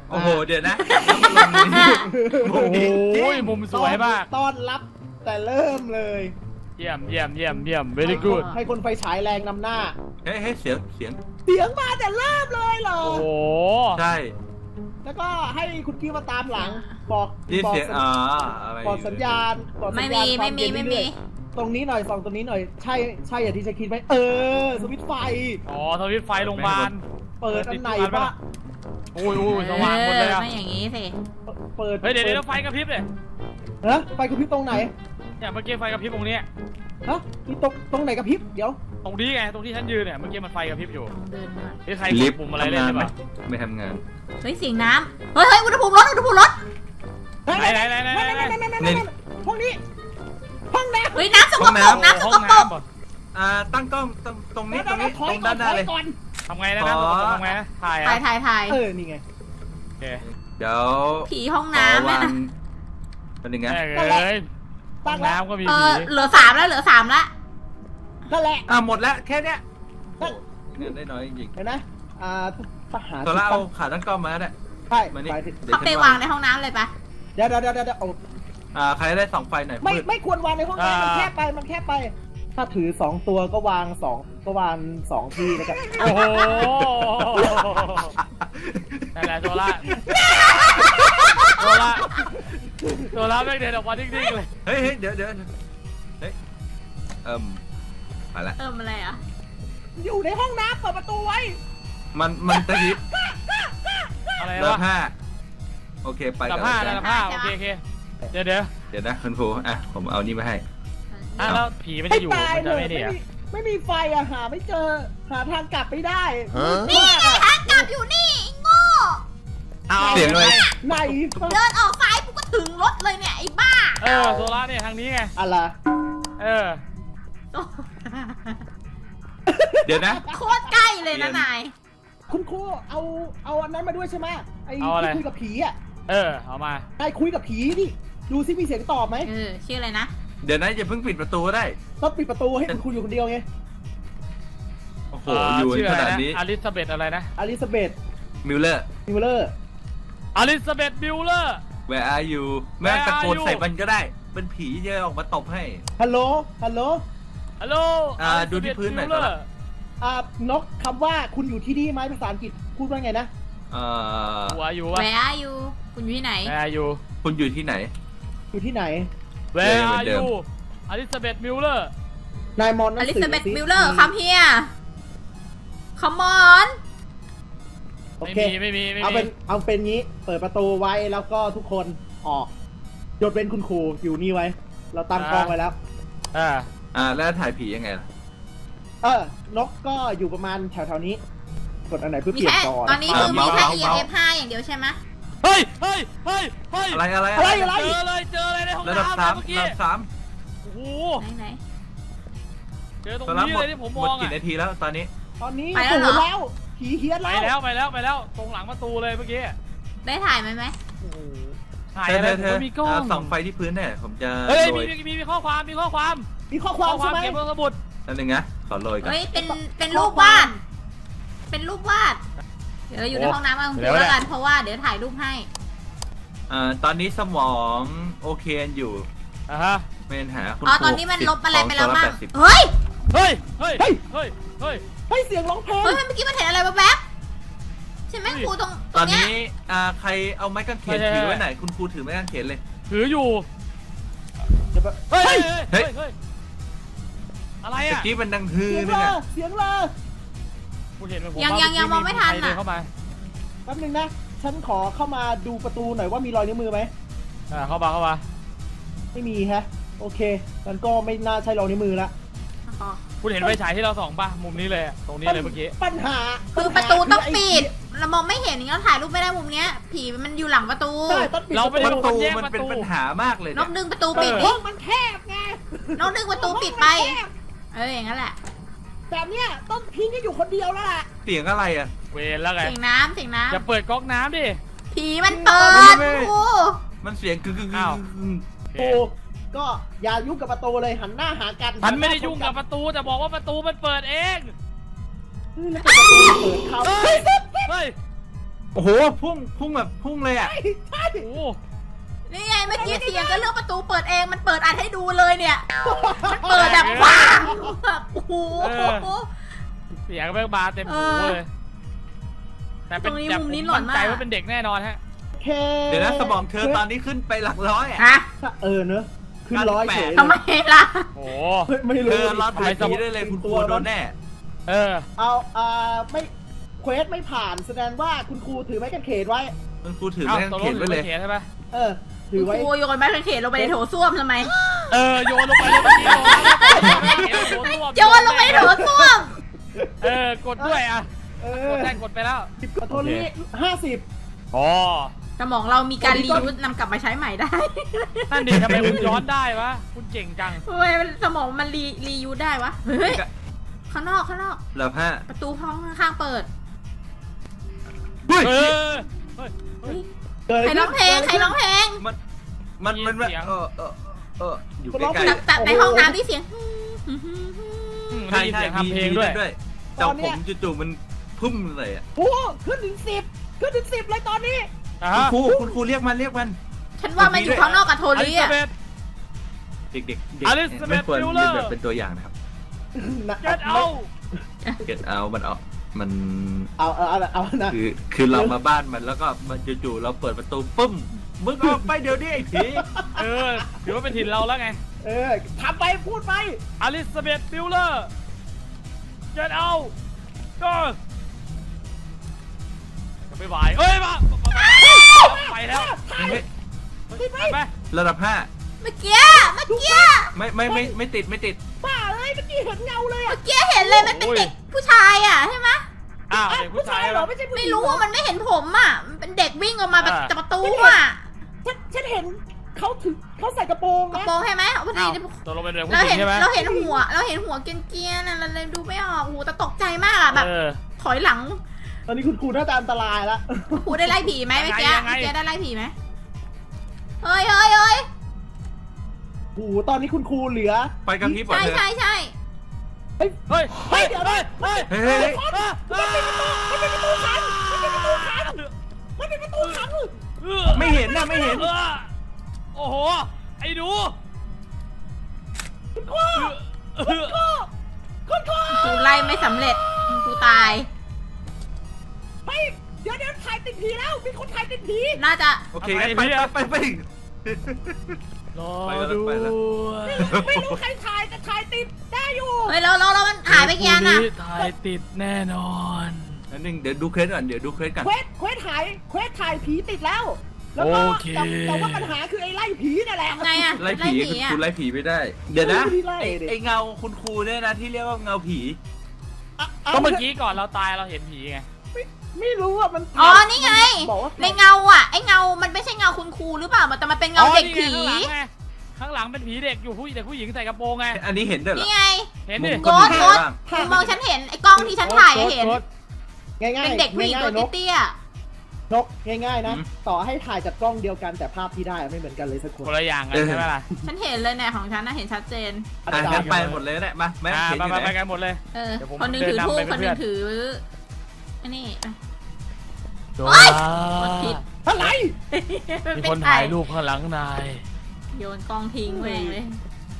Speaker 2: โอ้โหเดี๋ยวนะแล้วมันลงในมุม
Speaker 1: โอ้
Speaker 2: นี้
Speaker 1: โหมุมสวยมาก
Speaker 4: ต้อนรับแต่เริ่มเลย
Speaker 1: เยี่ยมเยี่ยมเยี่ยมเยี่ยม very good
Speaker 4: ให้คนไฟฉายแรงนำหน้า
Speaker 2: เฮ้ยเฮ้ยเสียงเสียง
Speaker 4: เสียงมาแต่เริ่มเลยเหรอ
Speaker 1: โอ้โห
Speaker 2: ใช่
Speaker 4: แล้วก็ให้คุณกี้มาตามหลัง บอก
Speaker 2: นี่
Speaker 4: บอก
Speaker 2: เสียง
Speaker 4: สัญ
Speaker 2: อ๋ออะไร
Speaker 4: บอกสัญญาณบอกสั
Speaker 3: ไม่
Speaker 4: ญญา
Speaker 3: มี
Speaker 4: ณควา
Speaker 3: ไม่มี
Speaker 4: เย็น
Speaker 3: ไม่
Speaker 4: เรื่
Speaker 3: มี
Speaker 4: อยๆตรงนี้หน่อยส่องตรงนี้หน่อย ใช่ใช่อย่างที่ฉันคิดไหมเออ สวิตช์ไฟ
Speaker 1: อ๋อสวิตช์ไฟโรงพยาบาล
Speaker 4: เปิดอันไหนวะ
Speaker 1: โอ้ยโอ้ยสว่างหมดเลยอะ
Speaker 3: ไม่อย่างนี้สิ
Speaker 4: เปิด
Speaker 1: เฮ้ยเดี๋ยวเดี๋ยวไฟกระพริบเลย
Speaker 4: ฮะไฟกระพริบตรงไหน
Speaker 1: เนี่ยเมื่อกี้ไฟกระพริบตรงเนี้ย
Speaker 4: ฮะมีตรงตรงไหนกระพริบเดี๋ยว
Speaker 1: ตรงนี้ไงตรงที่ฉันยืนเนี่ยเมื่อกี้มันไฟกระพริบอยู่
Speaker 3: ลองเดินมา
Speaker 1: นี่ใคร
Speaker 2: ลิ
Speaker 1: ก
Speaker 2: ฟ
Speaker 1: ด
Speaker 2: ต์
Speaker 1: ปุ่มอะไรเล่น
Speaker 2: ทำงาน
Speaker 1: ใช่
Speaker 2: ไหม
Speaker 1: ปะ
Speaker 2: ไม่ทำงาน
Speaker 3: เฮ้ยเสียงน้ำเฮ้ยเฮ้ยอุณหภูมิลดอุณหภูมิลด
Speaker 1: ไหนไหนไหนไหนไหน
Speaker 2: นี่
Speaker 4: ห้องนี้ ห้องน้ำ
Speaker 3: เฮ้ยน้ำสก
Speaker 2: ห้อง
Speaker 3: ปร
Speaker 2: น้ำ
Speaker 3: กน้ำส
Speaker 1: ห้อก ง
Speaker 3: ปรก
Speaker 1: น้ำป่ะ
Speaker 2: อ่าตั้งกล้องตรงตรงนี้ตรงนี้
Speaker 4: ถ
Speaker 2: ต
Speaker 4: อย
Speaker 2: รง
Speaker 4: ก่อ
Speaker 2: ด้าน นหน้า
Speaker 4: ถ
Speaker 2: เล
Speaker 4: อย
Speaker 2: ย
Speaker 4: ก่อน
Speaker 1: ทำไงนะ
Speaker 2: อ๋
Speaker 1: นะ
Speaker 2: อ
Speaker 1: ทำไงนะถ่าย
Speaker 3: ถ่าย
Speaker 1: อะ
Speaker 3: ถ่ายถ่าย
Speaker 4: เออ นี่ไง
Speaker 1: โอเค
Speaker 2: เดี๋ยว
Speaker 3: ผีห้อง
Speaker 2: ขอ
Speaker 3: น้ำเนี่
Speaker 2: วาย ง
Speaker 3: นะ
Speaker 2: เป็นยังไง
Speaker 1: แม่ง
Speaker 4: นั่นแหละ
Speaker 1: เอ้ยห้
Speaker 4: ตั้
Speaker 1: อง
Speaker 4: งแล้ว
Speaker 1: น้ำก็มี
Speaker 3: เอ
Speaker 1: ผี
Speaker 3: อเหลือสามแล้วเหลือสามแล้ว
Speaker 4: นั่นแหละ
Speaker 2: อ่าหมดแล้วแค่เนี้ย
Speaker 4: นั่น
Speaker 2: เงินได้น้อยจริง
Speaker 4: เห็นไหมอ่าทหาร
Speaker 2: ๆตัวละเอาขาตั้งกล้องมาก็ได้
Speaker 4: ใช่
Speaker 2: มานี่
Speaker 4: หมายถึง
Speaker 2: เดี๋ยว
Speaker 3: เขาไป
Speaker 2: ฉัน
Speaker 3: วางในห้องน้ำเลยปะ
Speaker 4: เดี๋ยวเดี๋ยวเดี๋ยวเดี๋ยวเอา
Speaker 2: อ่าใครได้สองไฟหน่อย
Speaker 4: ไม่
Speaker 2: มืด
Speaker 4: ไม่ควรวางในห้องน้ำมันแคบไป มันแคบไป ถ้าถือสองตัวก็วางสองก็วางสองที่นะครับ
Speaker 1: โอ้โหนั่นแหละโซล่าโซล่าโซล่าแม่งเดินออกมาดิ้งๆเลย
Speaker 2: เฮ้ยเฮ้ยเดี๋ยวเดี๋ยวเฮ้ยเอิ่มไปละ
Speaker 3: เติมอะไรอ่ะ
Speaker 4: อยู่ในห้องน้ำเปิดประตูไว้
Speaker 2: มันมันตะยิบ
Speaker 1: อะไร
Speaker 2: เลิ
Speaker 1: วะ
Speaker 2: กห้าโอเคไป
Speaker 1: ดั
Speaker 2: กับ น
Speaker 1: ผ้า
Speaker 2: เลย
Speaker 1: ดับผ้าโอเคโอเคเดี๋ยวเดี๋ยว
Speaker 2: เดี๋ยวนะคุณครูอ่ะผมเอานี่มาให้
Speaker 1: อ่ะแล้วผีมัน
Speaker 4: ให้
Speaker 1: จะอยู่
Speaker 4: ตาย
Speaker 1: มัน
Speaker 4: เล
Speaker 1: จะ
Speaker 4: ย
Speaker 1: ไม่
Speaker 4: ไม่
Speaker 1: ดีอ่ะ
Speaker 4: มีไม่มีไฟอะหาไม่เจอ หาทางกลับไม่ได้
Speaker 3: นี่ไงทางกลับอยู่นี่ไอ้โง่
Speaker 1: เอา
Speaker 2: เสียงเลย
Speaker 4: ไหน
Speaker 3: เดินออกซ้ายกูก็ถึงรถเลยเนี่ยไอ้บ้า
Speaker 1: เออโซล่าเนี่ยทางนี้ไง
Speaker 4: อะไร
Speaker 1: เออ
Speaker 2: เดี๋ยวนะ
Speaker 3: โคตรใกล้เลยนะนาย
Speaker 4: คุณครูเอาเอาอันนั้นมาด้วยใช่ไหมไอ้
Speaker 1: เอาอะไร
Speaker 4: ที่คุยกับผีอะ
Speaker 1: เออเอามา
Speaker 4: นายคุยกับผีดิดูซิมีเสียงตอบไหม
Speaker 3: เออชื่ออะไรนะ
Speaker 2: เดี๋ยวนะอย่าเพิ่งปิดประตูก็ได้
Speaker 4: ต้องปิดประตูให้คุณครูอยู่คนเดียวไง
Speaker 2: โอ้โหอยู่
Speaker 1: ชื่อ
Speaker 2: ข
Speaker 1: อะไร
Speaker 2: นาด
Speaker 1: นะ
Speaker 2: นี้
Speaker 1: อลิซาเบธอะไรนะ
Speaker 4: อลิซาเบธ
Speaker 2: มิลเลอร์
Speaker 4: มิวเลอร์
Speaker 1: อลิซาเบธบิลเลอร์
Speaker 2: where are you แม่งตะโกน
Speaker 1: Where are you?
Speaker 2: ใส่มันก็ได้ เป็นผีจะออกมาตบให้
Speaker 4: ฮัลโหลฮัลโหล
Speaker 1: ฮัลโหล
Speaker 2: อ่าดูที่พื้นหน่อย
Speaker 1: เลอ
Speaker 2: ครับ
Speaker 1: ร์
Speaker 4: อ่านกคำว่าคุณอยู่ที่นี่ไหมภาษาอังกฤษพูดว่าไงนะ
Speaker 2: เอ่อ
Speaker 1: หัวอยู่วะ
Speaker 3: Where are you คุณอยู่ที่ไหน
Speaker 1: แวร์อยู่
Speaker 2: คุณอยู่ที่ไหน
Speaker 4: อยู่ที่ไหน
Speaker 1: แว
Speaker 2: เจอ
Speaker 1: ร์
Speaker 2: เหมือนเดิ
Speaker 1: อ
Speaker 2: ม
Speaker 1: ยู่อลิซาเบธมิลเลอร์
Speaker 4: นายมอนหนั
Speaker 3: อง ลิ
Speaker 4: สือ
Speaker 3: ซาเบธ
Speaker 4: สิ
Speaker 3: มิลเลอร์คัมเฮียคัมมอน
Speaker 4: โอ
Speaker 1: ไม่
Speaker 4: เค
Speaker 1: มีไม่มีไม่
Speaker 4: เอา
Speaker 1: มี
Speaker 4: เป็นเอาเป็นงี้ เปิดประตูไว้แล้วก็ทุกคนออกยกเว้นคุณครูอยู่นี่ไว้ เราตั้งกล้องไว้แล้ว
Speaker 1: อ่า
Speaker 2: อ่าแล้วถ่ายผียังไงล่ะ
Speaker 4: เออนกก็อยู่ประมาณแถวๆนี้ กดอันไหนเพื่อ
Speaker 3: มี
Speaker 4: เปลี่ยน
Speaker 3: แค่
Speaker 4: จอ
Speaker 3: ตอนนี้คือมี
Speaker 2: เมาส์
Speaker 3: แค่
Speaker 2: เมาส์
Speaker 3: อี เอ็ม เอฟ ห้าอย่างเดียวใช่ไหม
Speaker 1: เฮ้ยเฮ้ยเฮ้ยเฮ้ย
Speaker 2: อะไรอะไร
Speaker 4: อะไรอะไร
Speaker 1: เจอเลยเจอเลยในห้อง
Speaker 2: ระดับ
Speaker 1: น้ำ
Speaker 2: สาม
Speaker 1: เมื่อกี้
Speaker 2: ระดับสาม
Speaker 1: โอ้โห
Speaker 3: ไหนไหน
Speaker 1: เจอตรง
Speaker 2: ตอนนั้น
Speaker 1: นี้
Speaker 2: หม
Speaker 1: เล
Speaker 2: ด
Speaker 1: ยที่ผม
Speaker 2: ห
Speaker 1: ม
Speaker 2: มด
Speaker 1: อง
Speaker 2: กี่
Speaker 1: อ่ะ
Speaker 2: นาทีแล้วตอนนี้
Speaker 4: ตอนนี้
Speaker 3: ไปแล้วเหรอ
Speaker 4: ศูนย์แล้วผีเฮี้ยน
Speaker 1: ไป
Speaker 4: แล้ว
Speaker 1: แล้วไปแล้วไปแล้วตรงหลังประตูเลยเมื่อกี้
Speaker 3: ได้ถ่ายไหมไหม
Speaker 4: โอ้โห
Speaker 1: ถ่าย
Speaker 2: เธอ
Speaker 1: อะไร
Speaker 2: เธอ
Speaker 1: ผมมีกล้อง
Speaker 2: อ่าส่องไฟที่พื้นเนี่ยผมจะ
Speaker 1: เฮ้ย
Speaker 2: โร
Speaker 1: มี
Speaker 2: ย
Speaker 1: มีมีมีข้อความมีข้อความ
Speaker 4: มีข้อความใช่ไหม
Speaker 1: เก็บเบอร์สมุด
Speaker 2: นั่นเองนะขอโรยก่อน
Speaker 3: เฮ้ยเป็นเป็นรูปวาด เป็นรูปวาด เดี๋ยวเราอยู่ในห้องน้ำกันคุณแล้วกันเพราะว่าเดี๋ยวถ่ายรูปให้
Speaker 2: อ่าตอนนี้สมองโอเคอยู่
Speaker 1: อ่ะฮะ
Speaker 2: ไม่เป็นปัญหาคุณ
Speaker 3: อ๋อ
Speaker 2: ครู
Speaker 3: ตอนนี้มันลบอะไรไปแล้ว
Speaker 2: ส
Speaker 3: บ้าง
Speaker 2: แปดสิบ
Speaker 3: เฮ้ย
Speaker 1: เฮ้ยเฮ้ยเฮ้ยเฮ้ย
Speaker 4: เฮ้ยเสียงร้องเพลง
Speaker 3: เฮ้ยเมื่อกี้มันเห็นอะไรแวบๆใช่ไหมครูตรงต
Speaker 2: ต
Speaker 3: ร
Speaker 2: อง น
Speaker 3: เนี้ย
Speaker 2: นี้อ่าใครเอาไม้กางเขน
Speaker 1: ใช่ใช่
Speaker 2: ถือไว้ไหนคุณครูถือไม้กางเขนเลย
Speaker 1: ถืออยู่
Speaker 4: เดี๋ยวแป๊บ
Speaker 1: เฮ้ย
Speaker 2: เฮ้
Speaker 1: เฮ้
Speaker 2: ย
Speaker 1: ยเฮ้ยอะไร
Speaker 2: เมื่อ
Speaker 1: อ่ะ
Speaker 2: กี้มันดังฮือ
Speaker 4: เสียง
Speaker 2: นึ
Speaker 4: เล
Speaker 2: ง
Speaker 4: ย
Speaker 2: อะ
Speaker 4: เสียงเลย
Speaker 1: กูเห็นมันผม
Speaker 3: ยัง
Speaker 1: ว่า
Speaker 3: ยังยังมองไม่ทัน
Speaker 1: ใครเดิ
Speaker 3: อ่ะ
Speaker 1: เข้ามา
Speaker 4: แป๊บนึงนะ ฉันขอเข้ามาดูประตูหน่อยว่ามีรอยนิ้วมือไหม
Speaker 1: อ่าเข้ามาเข้ามา
Speaker 4: ไม่มีฮะ โอเคมันก็ไม่น่าใช่รอยนิ้วมือละ
Speaker 3: อ๋อ
Speaker 1: คุณเห็นไฟฉายที่เราส่องป่ะมุมนี้เลยอะตรงนี้เลยเมื่อกี้
Speaker 4: ปัญหา
Speaker 3: คือประตูต้องปิด เรามองไม่เห็นอย่างนี้เราถ่ายรูปไม่ได้มุมเนี้ย ผีมันอยู่หลังประตู
Speaker 4: ใช่ต้องปิด
Speaker 1: เราไม่ได้
Speaker 2: ประ
Speaker 1: ค
Speaker 2: ตู
Speaker 1: นแยก
Speaker 2: มัน
Speaker 1: ประ
Speaker 2: เป็น
Speaker 1: ตู
Speaker 2: ปัญหามากเลย
Speaker 3: น
Speaker 2: เนี่ย
Speaker 3: กดึงประตูปิด
Speaker 1: เออ
Speaker 3: ดิ
Speaker 4: ห้องมันแคบไง
Speaker 3: นกดึงประตูปิดไป
Speaker 4: ห้องมันแคบ
Speaker 3: เอออย่างนั้นแหละ
Speaker 4: แบบเนี้ยต้องทิ้งให้อยู่คนเดียวแล้วล่ะ
Speaker 2: เสียงอะไรอ่ะ
Speaker 1: เวรแล้วไง
Speaker 3: เสียงน้ำเสียงน้
Speaker 1: จะเปิดก๊อกน้ำดิ
Speaker 3: ำผีมันเปิด
Speaker 2: ไม่ไม่
Speaker 3: ครู
Speaker 2: มันเสียงกึกกึกกึ
Speaker 1: อ้าว
Speaker 2: ก
Speaker 1: โอเค
Speaker 4: โอ้ก็อย่ายุ่งกับประตูเลยหันหน้าหากัน
Speaker 1: ฉันไม่ได้ยุ่งกับประตูแต่บอกว่าประตูมันเปิดเอง
Speaker 4: เฮ้ยแล้วประตูเปิดเขา
Speaker 1: เฮ้ย เฮ้ย
Speaker 2: โอ้โหพุ่งพุ่งแบบพุ่งเลยอ่ะ
Speaker 4: ใช่
Speaker 1: โอ้
Speaker 3: นี่ไงเมื่อกี้เสียงก็เรื่องประตูเปิดเองมันเปิดอัดให้ดูเลยเนี่ยมันเปิดแบบว้าวแบบโอ้โห
Speaker 1: เสียงแม่งมาเต็มหูเลยแต่เป็น
Speaker 3: ตรงนี้
Speaker 1: แต่
Speaker 3: มุม
Speaker 1: ผม
Speaker 3: นี้หลอน
Speaker 1: มั่นใจ
Speaker 3: มาก
Speaker 1: ว่าเป็นเด็กแน่นอนฮะ
Speaker 4: แค่
Speaker 2: เดี๋ยวนะสมองเธอตอนนี้ขึ้นไปหลักร้อยอ่ะ
Speaker 3: ฮะ
Speaker 4: เออเนอะขึ้นร้อยเฉย
Speaker 3: ทำไมล่ะ
Speaker 1: โอ้
Speaker 4: เฮ้ยไม่
Speaker 2: เธ
Speaker 4: รู้
Speaker 2: อรอถ่ายผีได้เลยคุณครูโดนแน่
Speaker 1: เออ
Speaker 4: เอาอ่าไม่เควสไม่ผ่านแสดงว่าคุณครูถือไม้กางเขนไว้
Speaker 2: คุณครูถือ
Speaker 1: เอา
Speaker 2: แม่ง
Speaker 1: ตกล
Speaker 2: เขีย
Speaker 1: ง
Speaker 2: น
Speaker 1: ถื
Speaker 2: ไว้
Speaker 1: อ
Speaker 2: เลย
Speaker 1: เขียนใช่ปะ
Speaker 4: เออ ถือไว้
Speaker 3: ครูโยนไม้กางเขนลงไปในโถส้วมทำไม
Speaker 1: เออโยนลงไปเลยเมื่อกี้โยนลงไป
Speaker 3: โยนลงไปในโถส้วม
Speaker 1: เออกดด้วยอ่ะ
Speaker 4: เอก อ
Speaker 1: ดได้กดไปแล้ว
Speaker 4: สิบกับโทนี่ห้าสิบ
Speaker 1: อ๋อ
Speaker 3: สมองเรามีการรียูสนำกลับมาใช้ใหม่ได้
Speaker 1: นั่นดิทำไมคุณย้อนได้วะคุณเก่งจัง
Speaker 3: ทำไมมันสมองมันรีรียูสได้วะ เฮ้ย ข้างนอกข้างนอก
Speaker 2: เหลือห้า
Speaker 3: ประตูห้องข้างๆเปิด
Speaker 2: เฮ้ย
Speaker 1: เออเฮ้ย
Speaker 3: เฮ้ย
Speaker 4: เกิด
Speaker 3: ใครร้องเพลงใครร้องเพลง
Speaker 2: มันมันมัน
Speaker 1: มีเสียง
Speaker 2: เออเออเอออยู่ใกล้
Speaker 3: แต่แต่ในห้องน้ำที่เสียง
Speaker 1: อืม
Speaker 2: ๆ
Speaker 1: ได้ยินเสียงทำเพลงด้วย
Speaker 2: ด้วยแต่ผมจู่ๆมันพุ่มเลยอ่ะ
Speaker 4: โอ้ขึ้นถึงสิบขึ้นถึงสิบเลยตอนนี้
Speaker 1: อ่ะ
Speaker 2: คุณ
Speaker 1: ฮะ
Speaker 2: ครูคุณครูเรียกมันเรียกมัน
Speaker 3: ฉันว่ามันอยู่ข้างนอกกับโท
Speaker 1: อ
Speaker 3: ลี่
Speaker 1: ลิซา
Speaker 3: อะ
Speaker 1: เบธ
Speaker 2: เด็กๆเด็ก
Speaker 1: อลิซาเบธ
Speaker 2: ไม่ควร
Speaker 1: ฟิลเล
Speaker 2: เรี
Speaker 1: อย ร์
Speaker 2: นแบบเป็นตัวอย่างนะครับ
Speaker 1: เก็ตเอา
Speaker 2: เก็ตเอามันเอามัน
Speaker 4: เอาเอาเอาเอานะ
Speaker 2: คือคือเรามาบ้านมันแล้วก็มันจู่ๆเราเปิดประตูปุ้มมึงออกไปเดี๋ยวนี้ไอ้ผี
Speaker 1: เออถือว่าเป็นถิ่นเราแล้วไง
Speaker 4: เออทำไปพูดไป
Speaker 1: อลิซาเบธฟิลเลอร์เก็ตเอาก็ไม่ไหวเอ้ยมาไปแล้ว
Speaker 2: เฮ้ย
Speaker 1: ไปไป
Speaker 2: ระดับห้า
Speaker 3: เมื่อกี้เมื่อกี้
Speaker 2: ไม่ไม่ไม่ไม่ติดไม่ติด
Speaker 4: บ้าเลยเมื่อกี้เห็นเงาเลย
Speaker 3: เมื่
Speaker 4: อ่ะ
Speaker 3: อกี้เห็นเลยมันเป็นเด็กผู้ชายอ่ะใช่ไหม
Speaker 1: อ้าว
Speaker 4: อ้าว
Speaker 1: เด็ก
Speaker 4: ผู้
Speaker 1: ผู้
Speaker 4: ชา
Speaker 1: ชาย ย
Speaker 4: เหรอไม่ใช่ผู้หญิ
Speaker 3: ไม่
Speaker 4: ง
Speaker 3: รู้
Speaker 4: เหอ
Speaker 3: ว่ามันไม่เห็นผมอ่ะมันเป็นเด็กวิ่งออกมาแบบ
Speaker 1: อ่า
Speaker 3: จากประตูอ่ะ
Speaker 4: ฉันฉันเห็นเขาถือเขาใส่กระโปรง
Speaker 3: กระ
Speaker 4: นะ
Speaker 3: โปรงใช่ไหมพอดี
Speaker 1: อ้าวตัวลงเป็นเด็กผู้
Speaker 3: เรา
Speaker 1: หญิ
Speaker 3: เห็
Speaker 1: ง
Speaker 3: น
Speaker 1: ใช่ไหม
Speaker 3: เราเห็นหัว เราเห็นหัวเกรียนๆน่ะเราเลยดูไม่ออกโอ้โหแต่ตกใจมากอ่ะแบบ
Speaker 1: เออ
Speaker 3: ถอยหลัง
Speaker 4: ตอนนี้คุณครูน่าจะอันตรายแล้ว
Speaker 3: ครูได้ไล่ผีไหมเมื่อกี้
Speaker 1: ยังไง
Speaker 3: เมื่อกี้ได้ไล่ผีไหมเฮ้ยเฮ้ยเฮ้ย
Speaker 4: โอ้โหตอนนี้คุณครูเหลือ
Speaker 2: ไปกับพี่บอ
Speaker 3: ใช่
Speaker 2: เธอ
Speaker 3: ใช่ใช่
Speaker 4: เฮ้ย
Speaker 1: เฮ้ย
Speaker 4: เฮ้ยเดี๋ยวนะ
Speaker 1: เฮ้ย
Speaker 2: เฮ้ยเฮ้ย
Speaker 4: มันเป็นประตูขังมันเป็นประตูขังมันเป็นประตูขัง
Speaker 2: ไม่เห็นนะไม่เห็น
Speaker 1: โอ้โหไอ้ดู
Speaker 4: คุณครูคุณครูคุณครู
Speaker 3: ครูไล่ไม่สำเร็จครูตาย
Speaker 4: ไปเดี๋ยวเดี๋ยวถ่ายติดผีแล้วมีคนถ่ายติดผี
Speaker 3: น่าจะ
Speaker 2: โอเคงั้นไปไปไปไป
Speaker 1: รอ
Speaker 2: ไปแล้ว
Speaker 1: ดู
Speaker 2: ไปแล้ว
Speaker 4: ไม่รู้ใครถ่ายแต่ถ่ายติดได้อยู่
Speaker 3: เฮ้ยเราเราเรามันหายไปกี่อันอ่ะ
Speaker 1: ถ่ายติดแน่นอน
Speaker 2: นั่นนึงเดี๋ยวดูเคสก่อนเดี๋ยวดูเคสก่อน
Speaker 4: เควสเควสถ่ายเควสถ่ายผีติดแล้ว แล้วก็
Speaker 1: โอเค
Speaker 4: แต่แต่ว่าปัญหาคือไอ้ไล่ผีนั่นแหละ
Speaker 3: ทำไงอ่ะ
Speaker 2: ไล่ผีคุณ
Speaker 3: อ่ะ
Speaker 2: ครูไล่ผีไม่ได้ เดี๋ยวนะ
Speaker 4: ไม่ได้ไล่
Speaker 2: ไอ้
Speaker 4: ดิ
Speaker 2: ไอ้เงาคุณครูเนี่ยนะที่เรียกว่าเงาผี
Speaker 4: อ่ะา
Speaker 1: ก็เมื่อกี้ก่อนเราตายเราเห็นผีไง
Speaker 4: ไม่ไม่รู้อ่ะมัน
Speaker 3: อ๋อนี่ไง
Speaker 4: บอกว่า
Speaker 3: ในเงาอ่ะไอเงา มันไม่ใช่เงาคุณครูหรือเปล่าแต่มันเป็นเงาเด็กผี
Speaker 1: อ๋อนี่ไงข้างหลังไงข้างหลังเป็นผีเด็กอยู่ผู้เด็กผู้หญิงใส่กระโปรงไง
Speaker 2: อันนี้เห็นด้วยเหรอ
Speaker 3: นี่ไง
Speaker 1: เห็นดิ
Speaker 2: มุม
Speaker 3: โก
Speaker 2: คน
Speaker 3: ด
Speaker 2: ดู
Speaker 3: โกด
Speaker 2: บ้าง
Speaker 3: คุณมองฉันเห็นไอ้กล้องที่ฉันถ่ายอะเห็น
Speaker 1: โอ๊ต
Speaker 4: ง่ายๆ
Speaker 3: เป็นเด็กผู้หญิงตัว
Speaker 4: ง่ายๆนก
Speaker 3: เตี้ย
Speaker 4: นกง่ายๆนะ ต่อให้ถ่ายจากกล้องเดียวกันแต่ภาพที่ได้ไม่เหมือนกันเลยสักคน
Speaker 1: คนละอย่างกันใช่ไหมล่ะ
Speaker 3: ๆฉันเห็นเลยเนี่ยของฉันนะเห็นชัดเจน
Speaker 4: อา
Speaker 2: อ่ะ
Speaker 4: จาร
Speaker 2: งั้น
Speaker 4: ย์
Speaker 2: ไปหมดเลยก็ได้มาแม่
Speaker 1: อ่า
Speaker 2: เห็น
Speaker 1: ไป
Speaker 2: อยู่
Speaker 1: ไป
Speaker 2: ไหน
Speaker 1: ไปกันหมดเลย
Speaker 3: เออ
Speaker 1: เดี๋ยวผม
Speaker 3: คนหนึง
Speaker 1: เดิน
Speaker 3: ถือน
Speaker 1: ำ
Speaker 3: ทูบ
Speaker 1: ไป
Speaker 3: คนหนึง
Speaker 1: เพื่อน
Speaker 3: ถืออันนี้อ่ะ
Speaker 1: โด
Speaker 3: เฮ้ยกดผิด
Speaker 4: อะไร
Speaker 1: มีคนถ่ายรูปข้างหลังนาย
Speaker 3: โยนกล้องทิ้งไปเองเลย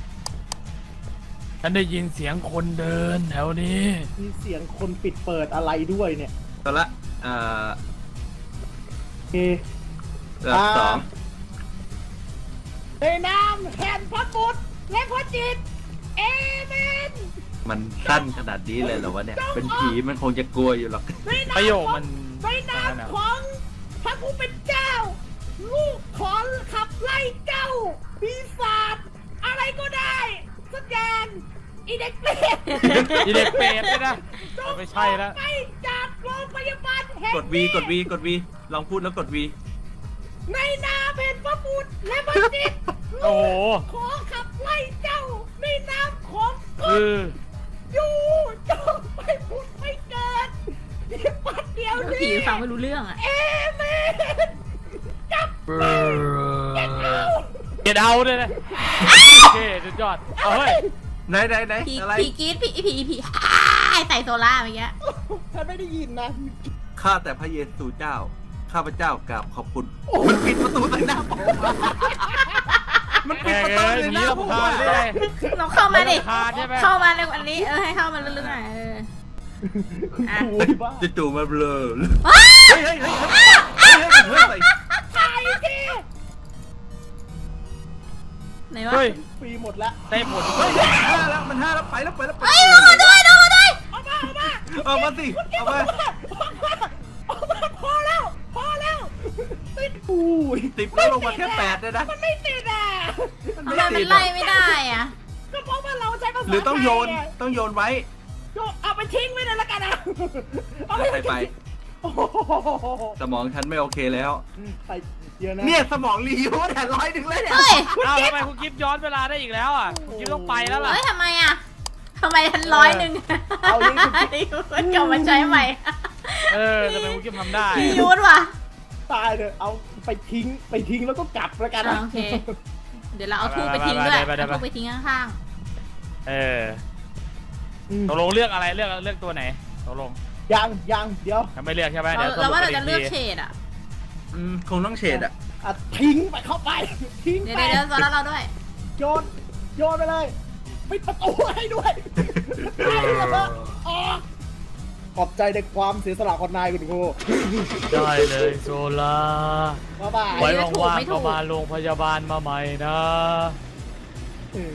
Speaker 1: ฉันได้ยินเสียงคนเดินแถวนี้
Speaker 4: มีเสียงคนปิดเปิดอะไรด้วยเนี่ย
Speaker 2: ตัวละเอ่อ
Speaker 4: โอเค
Speaker 2: ระดับสอง
Speaker 4: ในนามแห่งพระบุตรและพระจิตเอเมน
Speaker 2: มันสั้นขนาดนี้เลยเหรอวะเนี่ย เป็นผีมันคงจะกลัวอยู่หรอก
Speaker 4: ในนาม
Speaker 1: ประโยค
Speaker 4: ของ
Speaker 1: มัน
Speaker 4: ในนามของพระผู้เป็นเจ้า ลูกขอขับไล่เจ้าปีศาจอะไรก็ได้สักอย่างอีเด็กเปรต
Speaker 1: อีเด็กเปรตเลยนะไม่ใช่แล้ว
Speaker 4: ไปจากโรงพยาบาลแห่ง
Speaker 2: กดวีกดวีกดวีลองพูดแล้วกดวี
Speaker 4: ในนามแห่งพระบุตรและพระจิต
Speaker 1: โอ้โห
Speaker 4: ขอขับไล่เจ้าในนามของก
Speaker 1: เอ
Speaker 4: ฎ
Speaker 1: อ
Speaker 4: อยู่จงไปผุดไปเกิดที่ปัดเดียว
Speaker 3: ผี
Speaker 4: นี้
Speaker 3: ฟังไม่รู้เรื่องอ่ะ
Speaker 4: เอเมนจับ
Speaker 1: เอ
Speaker 4: เก็ตเอา
Speaker 1: เก็ตเอาด้วยนะโอเคสุดยอดเอาเฮ้ย
Speaker 2: ไหนไหนไหน
Speaker 3: ผี
Speaker 2: อะไร
Speaker 3: ผีกรีดผีผีผีอ้ายใส่โซล่าเมื่อกี้
Speaker 4: ฉันไม่ได้ยินนะ
Speaker 2: ข้าแต่พระเยซูเจ้าข้าพเจ้ากราบขอบคุณมันปิดประตูใส่หน้าผมมันปิด
Speaker 1: แก
Speaker 2: ประตู
Speaker 1: เอ้ย
Speaker 2: ใส่
Speaker 1: ห
Speaker 2: ห
Speaker 1: นี
Speaker 2: น้า
Speaker 1: เรา
Speaker 2: ผม
Speaker 1: พา
Speaker 2: อะ
Speaker 1: ได้ไง
Speaker 3: เราเข้ามาดิ
Speaker 1: พาใช่ไหม
Speaker 3: เข้ามาเร็วอันนี้เออให้เข้ามาลึกๆหน่อยเออ
Speaker 4: คุณ
Speaker 3: อ่ะ
Speaker 4: ครูไอ้บ้า
Speaker 2: จู่ๆมาเบลอ
Speaker 3: ว้า
Speaker 2: เฮ้ยเฮ้ยเฮ้ยเฮ้ยเฮ้ยเฮ้ยเฮ้ยใส่
Speaker 4: ตายที
Speaker 3: ไหนวะ
Speaker 1: เฮ้ย
Speaker 4: ฟรีหมดแล้ว
Speaker 1: ได้ผล
Speaker 2: เฮ้ยห้าแล้วมันห้าแล้วไปแล้วไปแล้วไป
Speaker 3: เฮ้ยดูมาด้วยดูมาด้วย
Speaker 4: เอามาเอามา
Speaker 2: เอามาสิเอามา
Speaker 4: เอามาพอแล้วพอแล้วติดอุ้ย
Speaker 2: ติดแล้วลงมาแค่แปดเลยนะ
Speaker 4: มันไม่ติดอ่ะ
Speaker 2: มัน
Speaker 3: ทำ
Speaker 2: ไม่
Speaker 3: ไมมั
Speaker 2: ติ
Speaker 3: น
Speaker 2: ด
Speaker 3: ไล่
Speaker 2: อะ
Speaker 3: ไม่ได้อ่ะ
Speaker 4: ก็เพราะว่าเราใช้ภาษา
Speaker 2: หรือต้องโยน
Speaker 4: ไทะ
Speaker 2: ต้องโยนไว้
Speaker 4: โยนเอาไปทิ้งไว้เลยละกันนะเอา
Speaker 2: แล้วใครไป
Speaker 4: โอ้โห
Speaker 2: สมองฉันไม่โอเคแล้ว
Speaker 4: ไปเยอะนะ
Speaker 2: เนี่ยสมองรียูแต่ร้อยถึงเลยเนี่ย
Speaker 3: เฮ้ย
Speaker 1: อ้าวทำไมคุณกิฟย้อนเวลาได้อีกแล้วอ่ะคุณกิฟต้องไปแล้วล่ะ
Speaker 3: เฮ้ยทำไมอ่ะทำไมทันร้อยหนึ่ง
Speaker 4: เอาลิงก์
Speaker 3: นี่มันกลับมาใช้ใหม่
Speaker 1: เออทำไมคุณกิฟทำได้
Speaker 3: พี่ยุทธว่ะ
Speaker 4: ตายเลยเอาไปทิ้งไปทิ้งแล้วก็กลับแล้วกัน
Speaker 3: อ่ะ
Speaker 4: นะ
Speaker 3: โอเค เดี๋ยวเราเอาทูบไปทิ้งด้วยเอาทูบไปทิ้งข้าง
Speaker 1: เออ
Speaker 4: อืม
Speaker 1: ตกลงเลือกอะไรเลือกเลือกตัวไหนตกลง
Speaker 4: ยังยังเดี๋ยว
Speaker 1: ยังไม่เลือกใช่ไหม
Speaker 3: ๆ
Speaker 1: เดี๋ยว
Speaker 3: เราว่าเรา
Speaker 1: ส
Speaker 3: จะ
Speaker 1: ป
Speaker 3: เลือก
Speaker 1: อี
Speaker 3: เฉดอ่ะ
Speaker 2: อืมคงต้องเฉดอ่ะ
Speaker 4: อ่ะทิ้งไปเข้าไป ทิ้ง
Speaker 3: เดี๋ยว
Speaker 4: ไป
Speaker 3: เดี๋ยวเดี๋ยวแล้วเราด้วย
Speaker 4: โยนโยนไปเลยปิดประตูให้ด้วยไปแล้วก็ออกขอบใจในความเสียสละของนายคุณครู
Speaker 1: ได้เลยโซล่า
Speaker 4: บ๊ายบาย
Speaker 1: ไว้
Speaker 3: ไม่ถูก
Speaker 1: ว่าง
Speaker 3: ไม่
Speaker 1: ๆ
Speaker 3: ถู
Speaker 1: ก็
Speaker 3: ก
Speaker 1: มาโรงพยาบาลมาใหม่นะ
Speaker 4: เออ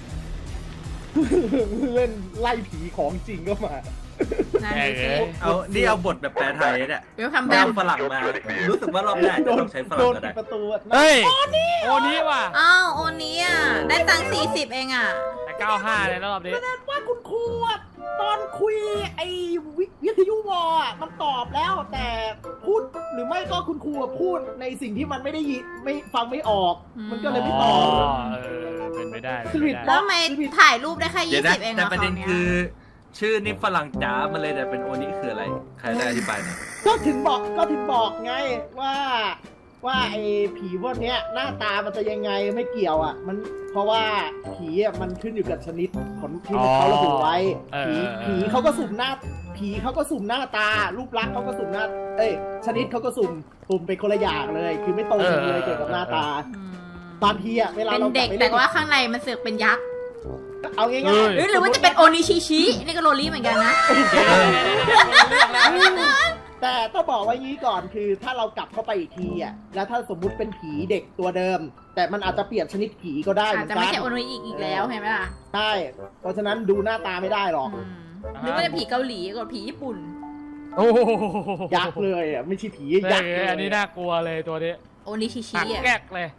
Speaker 4: เล่นไล่ผีของจริงก็มา
Speaker 3: นั่น
Speaker 1: แก
Speaker 3: สิ
Speaker 1: เอ้ย
Speaker 2: เอานี่เอาบทแบบแปลไทยเนี่ย
Speaker 3: เวลคัมแบ
Speaker 2: ไม่
Speaker 3: ม
Speaker 2: เอาฝรั่งมา รู้สึกว่ารอบหน้าจะต้องใช้ฝ
Speaker 4: โด
Speaker 2: รั่ง
Speaker 4: น
Speaker 2: ก็
Speaker 4: ปิ
Speaker 2: ได้
Speaker 4: ดประตูอะ
Speaker 1: เฮ้ยโอนี้ว่ะ
Speaker 3: อ้าวโอนี้อ่ะได้ตังค์สี่สิบเองอ่ะ
Speaker 1: แต่เก้าห้าเลยรอบนี้
Speaker 4: แสดงว่าคุณครูอะตอนคุยไอ้วิวิทยุวออะมันตอบแล้วแต่พูดหรือไม่ก็คุณครูอะพูดในสิ่งที่มันไม่ได้ยินไม่ฟังไม่ออก
Speaker 3: อืม
Speaker 4: มันก็เลยไม่ต
Speaker 1: อ๋อ
Speaker 4: อบ
Speaker 1: เออเป็นไปได้
Speaker 4: สลิ
Speaker 1: เป็น
Speaker 4: ด
Speaker 1: ไป
Speaker 3: แล้
Speaker 1: ได้
Speaker 3: วทำไมถ่ายรูปได้แค่
Speaker 2: เดี๋ย
Speaker 3: ยี่
Speaker 2: วนะ
Speaker 3: สิบเอง
Speaker 2: แต่
Speaker 3: เหรอ
Speaker 2: ประเด็น
Speaker 3: คราว
Speaker 2: คื
Speaker 3: เนี้
Speaker 2: อย ชื่อนี่ฝรั่งจ๋ามันเลยแต่เป็นโอนี้คืออะไร ใครได้อธิบายหน่อย
Speaker 4: ก็ถึงบอกก็ถึงบอกไงว่า ว่าไอ้ผีพวกเนี้ยหน้าตามันจะยังไงไม่เกี่ยวอ่ะ มันเพราะว่าผีอ่ะมันขึ้นอยู่กับชนิดของที่มันเขาระบุไว้ ผีผีเขาก็สุ่มหน้า ผีเขาก็สุ่มหน้าตา รูปลักษณ์เขาก็สุ่มหน้า เอ้ยชนิดเขาก็สุ่มสุ่มเป็นคนละอย่างเลย คือไม่ตรงกันเลยเกี่ยวกับหน้าตา
Speaker 3: อืม
Speaker 4: บางทีอ่ะเวลา
Speaker 3: เป็น
Speaker 4: เรา
Speaker 3: เด็ก
Speaker 4: ไป
Speaker 3: แต่
Speaker 4: ล่น
Speaker 3: ว่าข้างในมันเสือกเป็นยักษ์
Speaker 4: เอาง่าย
Speaker 1: เฮ้ย
Speaker 3: หรือหรือว่าจะเป็นโอนิชิชินี่ก็โรลี่เหมือนกันนะ
Speaker 4: ๆแต่ต้องบอกไว้งี้ก่อนคือถ้าเรากลับเข้าไปอีกทีอ่ะแล้วถ้าสมมุติเป็นผีเด็กตัวเดิม แต่มันอาจจะเปลี่ยนชนิดผีก็ได้เห
Speaker 3: อา
Speaker 4: มื
Speaker 3: จ
Speaker 4: อน
Speaker 3: จะ
Speaker 4: กั
Speaker 3: ไม่
Speaker 4: น
Speaker 3: ใช่โอนิอีกอีกแล้วเห็นไหมล่ะ
Speaker 4: ใช่เพราะฉะนั้นดูหน้าตาไม่ได้หรอก
Speaker 3: อืมหรือว่าจะผีเกาหลีกับผีญี่ปุ่น
Speaker 1: โอ้โห
Speaker 4: ยักษ์เลยอ่ะไม่ใช่ผี
Speaker 1: เฮ้
Speaker 4: ยักษ์เลย
Speaker 1: ยอันนี้น่ากลัวเลยตัวนี้
Speaker 3: โอนิชิชิ
Speaker 1: หัก
Speaker 3: อ่ะ
Speaker 1: แก๊กเลย